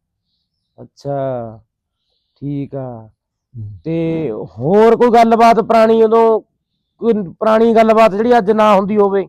ਅੱਛਾ ਠੀਕ ਆ। ਤੇ ਹੋਰ ਕੋਈ ਗੱਲਬਾਤ ਪੁਰਾਣੀ, ਉਦੋਂ ਕੋਈ ਪੁਰਾਣੀ ਗੱਲਬਾਤ ਜਿਹੜੀ ਅੱਜ ਨਾ ਹੁੰਦੀ ਹੋਵੇ?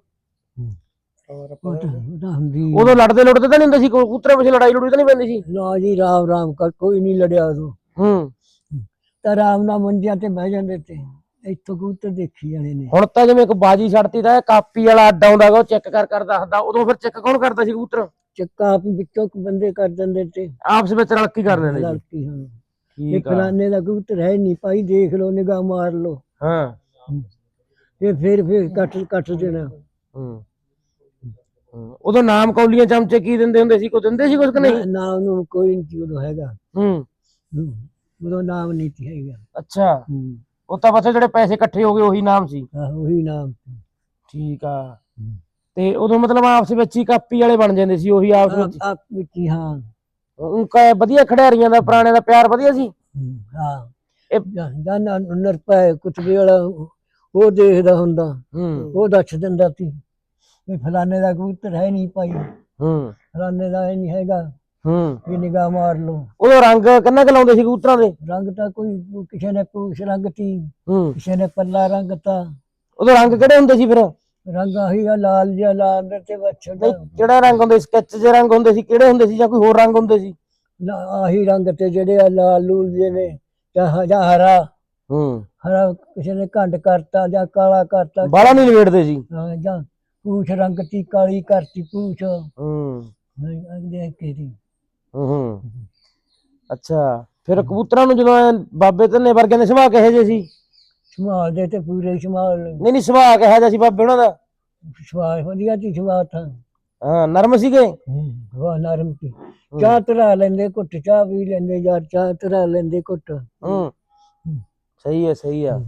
ਉਹ ਤਾਂ ਉਹ ਤਾਂ ਹੁੰਦੀ ਉਦੋਂ ਲੜਦੇ ਲੁੜਦੇ ਤਾਂ ਨਹੀਂ ਹੁੰਦੇ ਸੀ? ਕਬੂਤਰਾਂ ਪਿੱਛੇ ਲੜਾਈ ਲੜੂਈ ਤਾਂ ਨਹੀਂ ਪੈਂਦੀ ਸੀ? ਨਾ ਜੀ, ਰਾਮ ਰਾਮ ਕਰ, ਕੋਈ ਨਹੀਂ ਲੜਿਆ ਉਦੋਂ ਹੂੰ ਤਾਂ ਰਾਮ ਨਾਲ ਮੰਜਿਆਂ ਤੇ ਬਹਿ ਜਾਂਦੇ ਤੇ, ਇੱਥੋਂ ਕਬੂਤਰ ਦੇਖੀ ਜਾਣੇ ਨੇ। ਹੁਣ ਤਾਂ ਜਿਵੇਂ ਇੱਕ ਬਾਜੀ ਛੱਡਤੀ ਤਾਂ ਇਹ ਕਾਪੀ ਵਾਲਾ ਅੱਡਾ ਆਉਂਦਾ ਗਾ, ਉਹ ਚੈੱਕ ਕਰ ਕਰ ਦੱਸਦਾ। ਉਦੋਂ ਫਿਰ ਚੈੱਕ ਕੌਣ ਕਰਦਾ ਸੀ ਕਬੂਤਰ? ਚੱਕਾ ਆਪ ਹੀ ਵਿੱਚੋਂ ਬੰਦੇ ਕਰ ਦਿੰਦੇ ਤੇ, ਆਪਸ ਵਿੱਚ ਰਲ ਕੇ ਕਰ ਲੈਂਦੇ ਸੀ? ਲੜਕੀ ਹਾਂ। ਇਹ ਠੀਕ ਆ। ਫਲਾਨੇ ਦਾ ਕਬੂਤਰ ਹੈ ਨਹੀਂ ਭਾਈ, ਦੇਖ ਲਓ, ਨਿਗਾਹ ਮਾਰ ਲਓ, ਹਾਂ ਤੇ ਫਿਰ ਫਿਰ ਕੱਟ ਕੱਟ ਦੇਣਾ। ਹੂੰ ਹੂੰ। ਉਦੋਂ ਨਾਮ ਕੌਲੀਆਂ ਚਮਚੇ ਕੀ ਦਿੰਦੇ ਹੁੰਦੇ ਸੀ? ਕੋਈ ਦਿੰਦੇ ਸੀ ਕੁਝ ਕਿ ਨਹੀਂ? ਨਾ ਉਹਨੂੰ ਕੋਈ ਨਹੀਂ ਉਦੋਂ ਹੈਗਾ। ਹੂੰ ਹੂੰ, ਉਦੋਂ ਨਾਮ ਨਹੀਂ ਸੀ ਹੈਗਾ। ਅੱਛਾ, ਹੂੰ, ਉਹ ਤਾਂ ਬਸ ਜਿਹੜੇ ਪੈਸੇ ਇਕੱਠੇ ਹੋ ਗਏ ਉਹੀ ਨਾਮ ਸੀ? ਆਹ ਉਹੀ ਨਾਮ ਸੀ। ਠੀਕ ਆ। ਤੇ ਉਦੋਂ ਮਤਲਬ ਆਪਸ ਵਿੱਚ ਹੀ ਕਾਪੀ ਵਾਲੇ ਬਣ ਜਾਂਦੇ ਸੀ, ਉਹੀ ਆਪਸ ਵਿੱਚ? ਆਪ ਵਿੱਚ ਹੀ, ਹਾਂ। ਉਹ ਕ- ਵਧੀਆ ਖਿਡਾਰੀਆਂ ਦਾ ਪੁਰਾਣੇ ਦਾ ਪਿਆਰ ਵਧੀਆ ਸੀ? ਹੂੰ, ਹਾਂ। ਇਹ ਜਾਨਾ ਨਰਪਾ ਕੁਤਬੇ ਵਾਲਾ ਉਹ ਦੇਖਦਾ ਹੁੰਦਾ, ਹੂੰ ਉਹ ਦੱਸ ਦਿੰਦਾ ਸੀ ਵੀ ਫਲਾਨੇ ਦਾ ਕਬੂਤਰ ਹੈ ਨਹੀਂ ਭਾਈ, ਹੂੰ ਫਲਾਨੇ ਦਾ ਨਹੀਂ ਹੈਗਾ, ਹੂੰ। ਵੀ ਨਿਗਾਹ ਮਾਰ ਲਓ। ਉਦੋਂ ਰੰਗ ਕਿੰਨਾ ਕੁ ਲਾਉਂਦੇ ਸੀ ਕਬੂਤਰਾਂ ਦੇ? ਰੰਗ ਤਾਂ ਕੋਈ ਕਿਸੇ ਨੇ ਪੂਛ ਰੰਗ ਤੀ, ਹੂੰ। ਕਿਸੇ ਨੇ ਪੱਲਾ ਰੰਗ ਤਾ। ਉਦੋਂ ਰੰਗ ਕਿਹੜੇ ਹੁੰਦੇ ਸੀ ਫਿਰ? ਰੰਗ ਆਹੀ ਆ, ਲਾਲ ਜਿਹਾ, ਲਾਲ ਤੇ ਬੱਛੜ ਨਹੀਂ, ਕਿਹੜਾ ਰੰਗ ਹੁੰਦੇ? ਸਕੈਚ ਜਿਹੇ ਰੰਗ ਹੁੰਦੇ ਸੀ, ਕਿਹੜੇ ਹੁੰਦੇ ਸੀ, ਜਾਂ ਕੋਈ ਹੋਰ ਰੰਗ ਹੁੰਦੇ ਸੀ? ਆਹੀ ਰੰਗ ਤੇ ਜਿਹੜੇ ਆ ਲਾਲ ਲੂਲ ਜਿਹੇ ਨੇ, ਜਾਂ ਜਾਂ ਹਰਾ ਹੂੰ। ਹਰਾ ਕਿਸੇ ਨੇ ਘੰਟ ਕਰਤਾ ਜਾਂ ਕਾਲਾ ਕਰਤਾ। ਬਾਲਾ ਨਹੀਂ ਲਵੇੜਦੇ ਸੀ? ਹਾਂ, ਜਾਂ ਪੂਛ ਰੰਗ ਤੀ, ਕਾਲੀ ਕਰਤੀ ਪੂਛ, ਹੂੰ ਦੇਖ ਕੇ ਦੀ। ਹੂੰ ਹੂੰ। ਅੱਛਾ, ਫਿਰ ਕਬੂਤਰਾਂ ਨੂੰ ਜਦੋਂ ਐਂ ਬਾਬੇ ਧੰਨੇ ਵਰਗਿਆਂ ਦੇ ਸੁਭਾਅ ਕਿਹੋ ਜਿਹੇ ਸੀ? ਸੰਭਾਲਦੇ ਤੇ ਪੂਰੇ ਸੰਭਾਲ, ਨਹੀਂ ਨਹੀਂ, ਸੁਭਾਅ ਕਿਹੋ ਜਿਹਾ ਸੀ ਬਾਬੇ ਉਹਨਾਂ ਦਾ? ਸਵਾਲ ਵਧੀਆ ਸੀ, ਸਵਾਲ ਤਾਂ ਹਾਂ, ਨਰਮ ਸੀਗੇ? ਵਾਹ ਨਰਮ ਸੀ। ਚਾਹ ਤਰਾ ਲੈਂਦੇ, ਘੁੱਟ ਚਾਹ ਵੀ ਲੈਂਦੇ, ਯਾਰ ਚਾਹ ਤਰਾ ਲੈਂਦੇ ਘੁੱਟ। ਹੂੰ ਸਹੀ ਹੈ ਸਹੀ ਆ।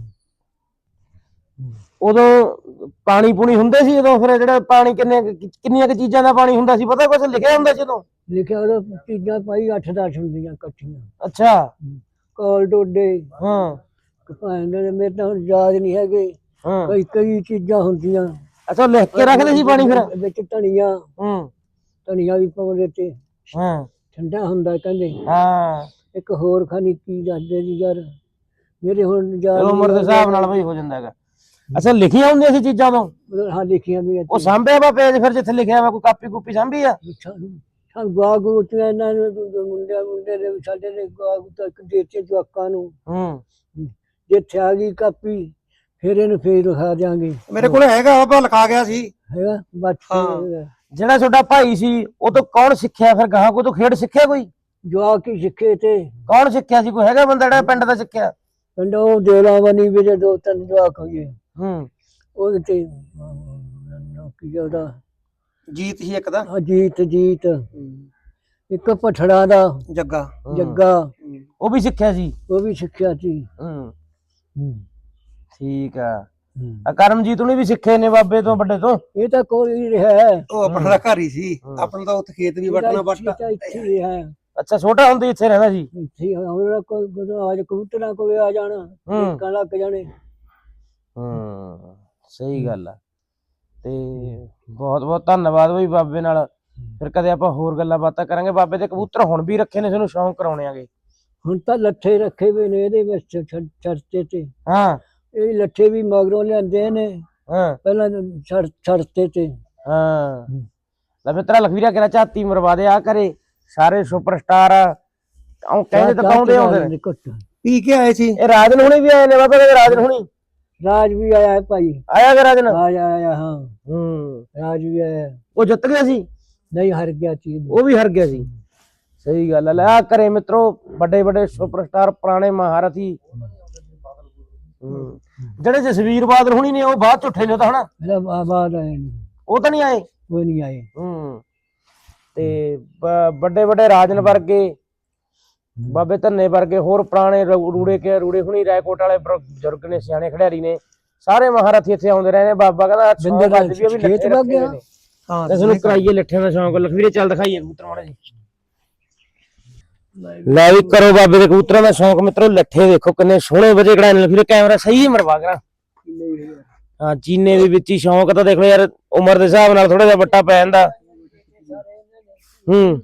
ਉਦੋਂ ਪਾਣੀ ਪੂਣੀ ਹੁੰਦੇ ਸੀ ਉਦੋਂ? ਫਿਰ ਜਿਹੜਾ ਪਾਣੀ ਕਿੰਨੇ ਕਿੰਨੀਆਂ ਕੁ ਚੀਜ਼ਾਂ ਦਾ ਪਾਣੀ ਹੁੰਦਾ ਸੀ ਪਤਾ? ਕੁਛ ਲਿਖਿਆ ਹੁੰਦਾ ਸੀ ਉਦੋਂ? ਲਿਖਿਆ ਉਹਦਾ ਚੀਜ਼ਾਂ ਭਾਈ ਅੱਠ ਦਸ ਹੁੰਦੀਆਂ ਇਕੱਠੀਆਂ। ਅੱਛਾ। ਕੋਲ ਡੋਡੇ, ਹਾਂ ਭਾਂਡੇ, ਮੇਰੇ ਤਾਂ ਹੁਣ ਯਾਦ ਨਹੀਂ ਹੈਗੇ, ਹਾਂ। ਕਈ ਕਈ ਚੀਜ਼ਾਂ ਹੁੰਦੀਆਂ। ਅੱਛਾ, ਲਿਖ ਕੇ ਰੱਖਦੇ ਸੀ ਪਾਣੀ ਫਿਰ? ਵਿੱਚ ਧਨੀਆ, ਹੂੰ ਧਨੀਆ ਵੀ ਪਾਉਂਦੇ ਤੇ, ਹਾਂ ਠੰਡਾ ਹੁੰਦਾ ਕਹਿੰਦੇ। ਹਾਂ। ਇੱਕ ਹੋਰ ਖਾਣੀ ਕੀ ਦੱਸਦੇ ਜੀ ਯਾਰ, ਮੇਰੇ ਹੁਣ ਯਾਦ ਉਮਰ ਦੇ ਨਹੀਂ ਹਿਸਾਬ ਨਾਲ ਬਈ ਹੋ ਜਾਂਦਾ ਹੈਗਾ। ਅੱਛਾ, ਲਿਖੀਆਂ ਹੁੰਦੀਆਂ ਸੀ ਚੀਜ਼ਾਂ ਤੋਂ? ਹਾਂ, ਲਿਖੀਆਂ ਵੀ ਉਹ ਸਾਂਭਿਆ ਵਾ ਪੇਜ ਫਿਰ ਜਿੱਥੇ ਲਿਖਿਆ ਵਾ? ਕੋਈ ਕਾਪੀ ਕੂਪੀ ਸਾਂਭੀ ਆ? ਹਾਂ, ਗਵਾ ਗੂਤੀਆਂ ਇਹਨਾਂ ਨੂੰ, ਮੁੰਡਿਆਂ ਮੁੰਡੇ ਦੇ ਸਾਡੇ ਨੇ ਗਵਾ ਗੂਤਾ ਇੱਕ ਦੇਤੇ ਜਵਾਕਾਂ ਨੂੰ। ਹੂੰ। ਜਿੱਥੇ ਆ ਗਈ ਕਾਪੀ ਫਿਰ ਇਹਨੂੰ ਫੇਰ ਲਿਖਾ ਦਿਆਂਗੇ। ਮੇਰੇ ਕੋਲ ਹੈਗਾ, ਆਪਾਂ ਲਿਖਾ ਗਿਆ ਸੀ। ਹੈਗਾ ਬਸ। ਜਿਹੜਾ ਤੁਹਾਡਾ ਭਾਈ ਸੀ ਉਹ ਤੋਂ ਕੌਣ ਸਿੱਖਿਆ ਫਿਰ? ਗਾਹਾਂ ਕੋਈ ਤੋਂ ਖੇਡ ਸਿੱਖਿਆ ਕੋਈ? ਜਵਾਕ ਹੀ ਸਿੱਖੇ ਤੇ ਕੌਣ ਸਿੱਖਿਆ ਸੀ? ਕੋਈ ਹੈਗਾ ਬੰਦਾ ਜਿਹੜਾ ਪਿੰਡ ਦਾ ਸਿੱਖਿਆ? ਪਿੰਡ ਉਹ ਦੇਲਾ ਬਣੀ ਵੀ ਦੋ ਤਿੰਨ ਜਵਾਕ ਹੋਏ ਹੂੰ ਉਹਦੇ ਤੇ ਅਹ, ਕੀ ਉਹਦਾ ਜੀਤ ਸੀ ਇੱਕ ਦਾ, ਅਜੀਤ ਜੀਤ ਇੱਕ ਪਠੜਾ ਦਾ ਜੱਗਾ। ਜੱਗਾ ਉਹ ਵੀ ਸਿੱਖਿਆ ਸੀ? ਉਹ ਵੀ ਸਿੱਖਿਆ ਸੀ। ਹੂੰ ਹੂੰ, ਠੀਕ ਆ। ਹੂੰ। ਆ ਕਰਮਜੀਤ ਉਹਨੇ ਵੀ ਸਿੱਖੇ ਨੇ ਬਾਬੇ ਤੋਂ ਵੱਡੇ ਤੋਂ? ਇਹ ਤਾਂ ਕੋਈ ਨਹੀਂ ਰਿਹਾ ਉਹ ਆਪਣਾ ਦਾ ਘਰ ਹੀ ਸੀ, ਆਪਣਾ ਤਾਂ ਉੱਥੇ ਖੇਤ ਵੀ ਵੱਟਣਾ ਵੱਟ। ਇੱਥੇ ਹੀ ਹੈ ਅੱਛਾ ਛੋਟਾ ਹੁੰਦੇ ਇੱਥੇ ਰਹਿੰਦਾ ਸੀ? ਇੱਥੇ ਹੀ ਹੁਣ ਕੋਈ ਗੁਰੂ ਅੱਜ ਕਬੂਤਰਾਂ ਕੋਲੇ ਆ ਜਾਣਾ ਹੂੰ। ਕਾਂ ਲੱਗ ਜਾਣੇ। ਹੂੰ ਸਹੀ ਗੱਲ ਆ। ਤੇ ਬਹੁਤ ਬਹੁਤ ਧੰਨਵਾਦ ਬਈ ਬਾਬੇ ਨਾਲ। ਫਿਰ ਕਦੇ ਆਪਾਂ ਹੋਰ ਗੱਲਾਂ ਬਾਤਾਂ ਕਰਾਂਗੇ। ਬਾਬੇ ਦੇ ਕਬੂਤਰ ਹੁਣ ਵੀ ਰੱਖੇ ਨੇ, ਤੁਹਾਨੂੰ ਸ਼ੌਂਕ ਕਰਾਉਣੇ ਆਗੇ? ਹੁਣ ਤਾਂ ਲੱਠੇ ਰੱਖੇ ਹੋਏ ਨੇ ਇਹਦੇ ਵਿੱਚ ਛ- ਚਰਚੇ ਤੇ। ਹਾਂ ਇਹ ਲੱਠੇ ਵੀ ਮਗਰੋਂ ਲਿਆਂਦੇ ਨੇ, ਹਾਂ ਪਹਿਲਾਂ ਛੜ ਛੜਤੇ ਤੇ। ਹਾਂ ਲੈ ਮਿੱਤਰਾ ਲਖਵੀਰਾ ਕਿਹੜਾ ਝਾਤੀ ਮਰਵਾ ਦੇ ਆ ਕਰੇ। ਸਾਰੇ ਸੁਪਰਸਟਾਰ ਆ ਉਹ ਕਹਿੰਦੇ ਤਾਂ ਪਾਉਂਦੇ ਆਉਂਦੇ ਨੇ। ਪੀ ਕੇ ਆਏ ਸੀ। ਇਹ ਰਾਜਨ ਹੁਣੀ ਵੀ ਆਏ ਨੇ ਬਾਬਾ ਕਹਿੰਦੇ ਰਾਜਨ ਹੁਣੀ ਰਾਜ ਵੀ ਆਇਆ ਹੈ ਭਾਈ। ਆਇਆ ਕਿ ਰਾਜਨ? ਰਾਜ ਆਇਆ ਹਾਂ, ਹੂੰ ਰਾਜ ਵੀ ਆਇਆ। ਉਹ ਜਿੱਤ ਗਿਆ ਸੀ? ਨਹੀਂ ਹਾਰ ਗਿਆ ਚੀਜ਼। ਉਹ ਵੀ ਹਾਰ ਗਿਆ ਸੀ। ਸਹੀ ਗੱਲ ਹੈ। ਲੈ ਆ ਕਰੇ ਮਿੱਤਰੋ ਵੱਡੇ ਵੱਡੇ ਸੁਪਰਸਟਾਰ ਪੁਰਾਣੇ ਮਹਾਰਥੀ। ਹੂੰ ਜਿਹੜੇ ਜਸਵੀਰ ਬਾਦਲ ਹੁਣੀ ਨੇ ਉਹ ਬਾਅਦ ਚ ਉੱਠੇ ਨੇ ਉਹ ਤਾਂ ਹਨਾ? ਮੇਰਾ ਬਾਦ ਆਏ ਨੇ, ਉਹ ਤਾਂ ਨਹੀਂ ਆਏ? ਉਹ ਨਹੀਂ ਆਏ। ਹੂੰ ਤੇ ਵੱਡੇ ਵੱਡੇ ਰਾਜਨ ਵਰਗੇ, ਬਾਬੇ ਧੰਨੇ ਵਰਗੇ, ਹੋਰ ਪੁਰਾਣੇ ਰੂ- ਰੂੜੇ ਕੇ ਰੂੜੇ ਹੁਣੀ, ਰਾਏਕੋਟ ਵਾਲੇ ਬਜ਼ੁਰਗ ਨੇ, ਸਿਆਣੇ ਖਿਡਾਰੀ ਨੇ, ਸਾਰੇ ਮਹਾਰਥੀ ਇੱਥੇ ਆਉਂਦੇ ਰਹੇ ਨੇ। ਬਾਬਾ ਕਹਿੰਦਾ ਬਿੰਦੇ ਦਾ ਅੱਜ ਵੀ ਉਹ ਵੀ ਖੇਤ ਲੱਠੇ ਵਗ ਰੱਖੇ ਗਿਆ। ਹੋਏ ਨੇ। ਹਾਂ ਤੇ ਤੁਹਾਨੂੰ ਕਰਾਈਏ ਲੱਠਿਆਂ ਦਾ ਸ਼ੌਂਕ। ਲਖਵੀਰੇ ਚੱਲ ਦਿਖਾਈਏ ਕਬੂਤਰ ਮਾੜਾ ਜੀ। ਲੈ ਵੀ ਕਰੋ ਬਾਬੇ ਦੇ ਕਬੂਤਰਾਂ ਦਾ ਸ਼ੌਂਕ ਮਿੱਤਰੋ। ਲੱਠੇ ਦੇਖੋ ਕਿੰਨੇ ਸੋਹਣੇ ਵਜੇ ਕਢਾਏ ਨੇ। ਲਖਵੀਰੇ ਕੈਮਰਾ ਸਹੀ ਮਰਵਾ ਕਰਾਂ। ਹਾਂ ਚੀਨੇ ਦੇ ਵਿੱਚ ਹੀ ਸ਼ੌਂਕ ਤਾਂ ਦੇਖ ਲਓ ਯਾਰ, ਉਮਰ ਦੇ ਹਿਸਾਬ ਨਾਲ ਥੋੜਾ ਜਿਹਾ ਵੱਟਾ ਪੈ ਜਾਂਦਾ। ਹੂੰ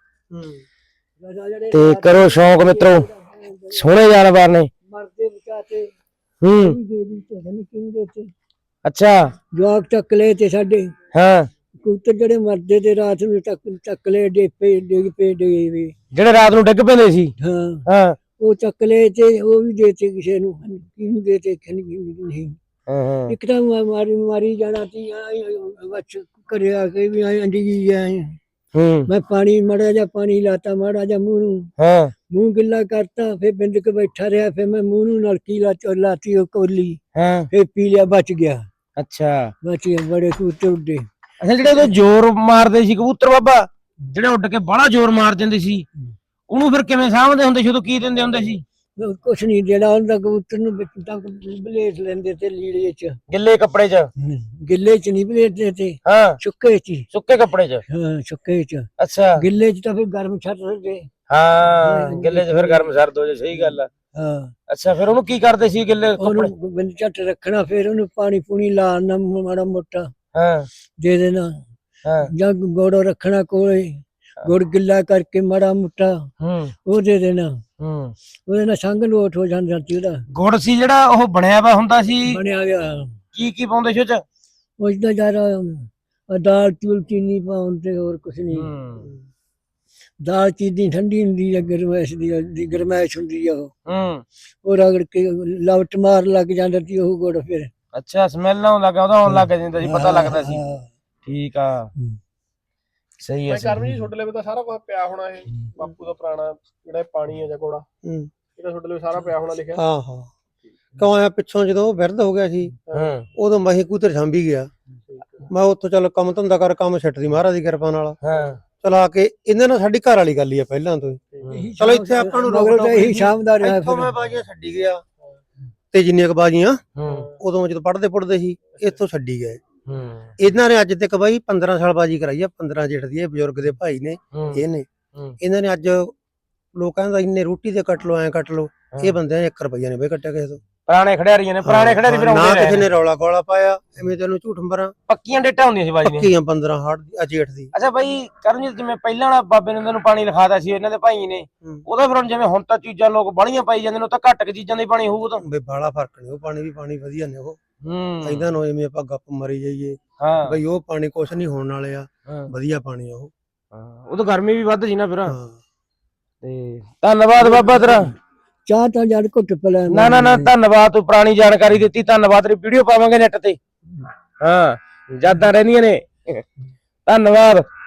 ਤੇ ਕਰੋ ਸ਼ੌਂਕ ਮਿੱਤਰੋ, ਸੋਹਣੇ ਜਾਨਵਰ ਨੇ। ਮਰਦੇ ਬਚਾਤੇ ਹੂੰ ਦੇ ਦੀ ਤੇ ਨਹੀਂ ਕਿੰਦੇ ਤੇ ਅੱਛਾ ਜਵਾਕ ਚੱਕ ਲਏ ਤੇ ਸਾਡੇ ਹਾਂ ਕਬੂਤਰ ਜਿਹੜੇ ਮਰਦੇ ਤੇ ਰਾਤ ਨੂੰ ਚੱਕ ਚੱਕ ਲਏ, ਡੇਪੇ ਡਿੱਗ ਪਏ ਡਿੱਗੇ ਵੀ। ਜਿਹੜੇ ਰਾਤ ਨੂੰ ਡਿੱਗ ਪੈਂਦੇ ਸੀ? ਹਾਂ ਹਾਂ ਉਹ ਚੱਕ ਲਏ ਤੇ ਉਹ ਵੀ ਦੇਤੇ ਕਿਸੇ ਨੂੰ, ਕਿਹਨੂੰ ਦੇਤੇ ਨਹੀਂ। ਹਾਂ ਹਾਂ ਇੱਕ ਤਾਂ ਮਾਰੀ ਮਾਰੀ ਜਾਣਾ ਸੀ ਬੱਚ ਕਰਿਆ ਕੇ ਵੀ ਆਏ ਅੰਡੀ ਆਏ। ਹੂੰ ਮੈਂ ਪਾਣੀ ਮਾੜਾ ਜਿਹਾ ਪਾਣੀ ਲਾਤਾ, ਮਾੜਾ ਜਿਹਾ ਮੂੰਹ ਨੂੰ, ਹਾਂ ਮੂੰਹ ਗਿੱਲਾ ਕਰਤਾ। ਫਿਰ ਬਿੰਦ ਕੇ ਬੈਠਾ ਰਿਹਾ, ਫਿਰ ਮੈਂ ਮੂੰਹ ਨੂੰ ਨਲਕੀ ਲਾ ਲਾਤੀ ਉਹ ਕੋਲੀ, ਹਾਂ ਫਿਰ ਪੀ ਲਿਆ, ਬਚ ਗਿਆ। ਅੱਛਾ ਬਚ ਗਿਆ, ਬੜੇ ਕਬੂਤਰ ਉੱਡੇ। ਅੱਛਾ ਜਿਹੜੇ ਉਹਦੇ ਜ਼ੋਰ ਮਾਰਦੇ ਸੀ ਕਬੂਤਰ ਬਾਬਾ, ਜਿਹੜੇ ਉੱਡ ਕੇ ਬੜਾ ਜ਼ੋਰ ਮਾਰ ਜਾਂਦੇ ਸੀ, ਉਹਨੂੰ ਫਿਰ ਕਿਵੇਂ ਸਾਂਭਦੇ ਹੁੰਦੇ ਸੀ? ਉਦੋਂ ਕੀ ਦਿੰਦੇ ਹੁੰਦੇ ਸੀ? ਕੁਛ ਨਹੀਂ, ਜਿਹੜਾ ਹੁੰਦਾ ਕਬੂਤਰ ਨੂੰ ਵਿੱਚ ਤੱਕ ਬਲੇਟ ਲੈਂਦੇ ਤੇ ਲੀੜੇ ਚ, ਗਿੱਲੇ ਕੱਪੜੇ 'ਚ? ਗਿੱਲੇ ਚ ਨਹੀਂ ਬਲੇਟਦੇ ਤੇ, ਹਾਂ ਸੁੱਕੇ ਚ ਹੀ। ਸੁੱਕੇ ਕੱਪੜੇ 'ਚ? ਹਾਂ ਸੁੱਕੇ ਚ। ਅੱਛਾ ਗਿੱਲੇ ਚ ਤਾਂ ਫਿਰ ਗਰਮ ਛੱਡ ਦਿੰਦੇ। ਹਾਂ ਗਿੱਲੇ 'ਚ ਫਿਰ ਗਰਮ ਸਰਦ ਹੋ ਜਾ। ਸਹੀ ਗੱਲ ਆ। ਹਾਂ ਅੱਛਾ ਫਿਰ ਉਹਨੂੰ ਕੀ ਕਰਦੇ ਸੀ ਗਿੱਲੇ ਕੱਪੜੇ? ਉਹਨੂੰ ਬਿੰਦ ਝੱਟ ਰੱਖਣਾ, ਫਿਰ ਉਹਨੂੰ ਪਾਣੀ ਪੂਣੀ ਲਾਣਾ ਮਾੜਾ ਮੋਟਾ ਹਾਂ ਦੇ ਦੇਣਾ, ਹਾਂ ਜਾਂ ਗੋੜੋ ਰੱਖਣਾ ਕੋਲੇ, ਗੁੜ ਗਿੱਲਾ ਕਰਕੇ ਮਾੜਾ ਮੋਟਾ ਹੂੰ ਉਹ ਦੇ ਦੇਣਾ। ਹੂੰ ਉਹਦੇ ਨਾਲ ਸੰਗ ਲੋਟ ਹੋ ਜਾਂਦਾ ਸੀ ਉਹਦਾ। ਗੁੜ ਸੀ ਜਿਹੜਾ ਉਹ ਬਣਿਆ ਵਾ ਹੁੰਦਾ ਸੀ? ਬਣਿਆ ਗਿਆ। ਕੀ ਕੀ ਪਾਉਂਦੇ ਸੀ ਉਹ 'ਚ? ਉਸ ਦਾ ਜ਼ਿਆਦਾ ਦਾਲ ਚੂਲ ਚੀਨੀ ਪਾਉਣ ਤੇ ਹੋਰ ਕੁਛ ਨਹੀਂ। ਹੂੰ ਦਾਲ ਚੀਨੀ ਠੰਡੀ ਹੁੰਦੀ ਹੈ, ਗਰਮੈਸ਼ ਦੀ ਗਰਮੈਸ਼ ਹੁੰਦੀ ਆ ਉਹ ਹੂੰ ਉਹ ਰਗੜ ਕੇ ਲਵਟ ਮਾਰ ਲੱਗ ਜਾਂਦਾ ਸੀ ਉਹ ਗੁੜ। ਫਿਰ ਅੱਛਾ ਸਮੈਲ ਆਉਣ ਲੱਗਾ, ਉਹਦਾ ਆਉਣ ਲੱਗ ਜਾਂਦਾ ਸੀ, ਪਤਾ ਲੱਗਦਾ ਸੀ। ਹਾਂ। ਠੀਕ ਆ ਸਹੀ ਹੈ। ਮੈਂ ਕਰਮ ਜੀ ਤੁਹਾਡੇ ਲਈ ਤਾਂ ਸਾਰਾ ਕੁਝ ਪਿਆ ਹੋਣਾ। ਇਹ ਬਾਪੂ ਦਾ ਪੁਰਾਣਾ ਜਿਹੜਾ ਇਹ ਪਾਣੀ ਹੈ ਜਾਂ ਘੋੜਾ, ਹੂੰ ਇਹ ਤਾਂ ਤੁਹਾਡੇ ਲਈ ਸਾਰਾ ਪਿਆ ਹੋਣਾ ਲਿਖਿਆ। ਹਾਂ ਹਾਂ ਕਿਉਂ ਆਇਆ ਪਿੱਛੋਂ ਜਦੋਂ ਬਿਰਧ ਹੋ ਗਿਆ ਸੀ, ਹੂੰ ਉਦੋਂ ਮੈਂ ਕਬੂਤਰ ਸਾਂਭੀ ਗਿਆ। ਮੈਂ ਉੱਥੋਂ ਚੱਲ ਕੰਮ ਧੰਦਾ ਕਰ, ਕੰਮ ਛੱਡਦੀ ਮਹਾਰਾਜ ਦੀ ਕਿਰਪਾ ਨਾਲ ਹਾਂ ਚਲਾ ਕੇ। ਇਹਨਾਂ ਨਾਲ ਸਾਡੀ ਘਰ ਵਾਲੀ ਗੱਲ ਹੀ ਆ ਪਹਿਲਾਂ ਤੋਂ ਹੀ। ਚਲੋ ਇੱਥੇ ਆਪਾਂ ਨੂੰ ਰੋਕ ਟੋਕ ਇਹੀ ਸ਼ਾਮ ਦਾ ਰਿਹਾ। ਇੱਥੋਂ ਮੈਂ ਬਾਜੀਆਂ ਛੱਡੀ ਗਿਆ ਤੇ ਜਿੰਨੀਆਂ ਕ ਬਾਜੀਆਂ ਹੂੰ ਉਦੋਂ ਜਦੋਂ ਪੜਦੇ ਪੁੱਟਦੇ ਸੀ ਇੱਥੋਂ ਛੱਡੀ ਗਏ। ਹੂੰ ਇਹਨਾਂ ਨੇ ਅੱਜ ਤੱਕ ਬਾਈ ਪੰਦਰਾਂ ਸਾਲ ਬਾਜੀ ਕਰਾਈ ਆ। ਪੰਦਰਾਂ ਜੇਠ ਦੀ ਇਹ ਬਜ਼ੁਰਗ ਦੇ ਭਾਈ ਨੇ, ਹੂੰ ਇਹ ਨੇ। ਹੂੰ। ਇਹਨਾਂ ਨੇ ਅੱਜ ਲੋਕਾਂ ਦਾ ਇੰਨੇ ਰੋਟੀ ਦੇ ਕੱਟ ਲੋ ਐ ਕੱਟ ਲੋ, ਇਹ ਬੰਦਿਆਂ ਨੇ ਇੱਕ ਰੁਪਈਆ ਨੇ ਬਈ ਕੱਟਿਆ ਕਿਸੇ ਤੋਂ। ਪੁਰਾਣੇ ਖਿਡਾਰੀਆਂ ਨੇ, ਪੁਰਾਣੇ ਖਿਡਾਰੀ ਫਿਰ ਨਾ ਆਉਂਦੇ ਕਿਸੇ ਰਹੇ ਨੇ ਰੌਲਾ ਗੋਲਾ ਪਾਇਆ ਐਵੇਂ ਤੈਨੂੰ ਝੂਠ ਮਰਾਂ। ਪੱਕੀਆਂ ਡੇਟਾਂ ਹੁੰਦੀਆਂ ਸੀ ਬਾਜੀ ਦੀਆਂ। ਪੱਕੀਆਂ ਪੰਦਰਾਂ ਹਾੜ ਦੀ ਆ ਜੇਠ ਦੀ। ਅੱਛਾ ਬਾਈ ਕਰਨਜੀਤ, ਜਿਵੇਂ ਪਹਿਲਾਂ ਵਾਲਾ ਬਾਬੇ ਨੇ ਤੁਹਾਨੂੰ ਪਾਣੀ ਲਿਖਾਦਾ ਸੀ ਇਹਨਾਂ ਦੇ ਭਾਈ ਨੇ, ਉਹਦਾ ਫਿਰ ਹੁਣ ਜਿਵੇਂ ਹੁਣ ਤਾਂ ਚੀਜ਼ਾਂ ਲੋਕ ਬਾਹਲੀਆਂ ਪਾਈ ਜਾਂਦੇ ਨੇ, ਉਹ ਤਾਂ ਘੱਟ ਕੁ ਚੀਜ਼ਾਂ ਦਾ ਹੀ ਪਾਣੀ ਹੋਊ ਤਾਂ? ਬਈ ਬਾਲਾ ਫਰਕ ਨਹੀਂ, ਉਹ ਪਾਣੀ ਵੀ ਪਾਣੀ ਵਧੀਆ ਨੇ ਉਹ। ਹੂੰ ਇਦਾਂ ਨਾ ਜਿਵੇਂ ਆਪਾਂ ਗੱਪ ਮਾਰੀ ਜਾਈਏ ਹਾਂ ਬਈ ਉਹ ਪਾਣੀ ਕੁਛ ਨਹੀਂ ਹੋਣ ਵਾਲੇ ਆ, ਹਾਂ ਵਧੀਆ ਪਾਣੀ ਆ ਉਹ। ਹਾਂ, ਉਹ ਤਾਂ ਗਰਮੀ ਵੀ ਵੱਧ ਸੀ ਨਾ ਫਿਰ। ਹਾਂ ਤੇ ਧੰਨਵਾਦ ਬਾਬਾ ਤੇਰਾ। ਚਾਹ ਤਾਂ ਜੜ ਘੁੱਟ ਪਲਾ। ਨਾ ਨਾ ਨਾ ਧੰਨਵਾਦ, ਤੂੰ ਪੁਰਾਣੀ ਜਾਣਕਾਰੀ ਦਿੱਤੀ, ਧੰਨਵਾਦ। ਤੇਰੀ ਵੀਡੀਓ ਪਾਵਾਂਗੇ ਨੈਟ ਤੇ। ਹਾਂ ਯਾਦਾਂ ਰਹਿੰਦੀਆਂ ਨੇ। ਧੰਨਵਾਦ।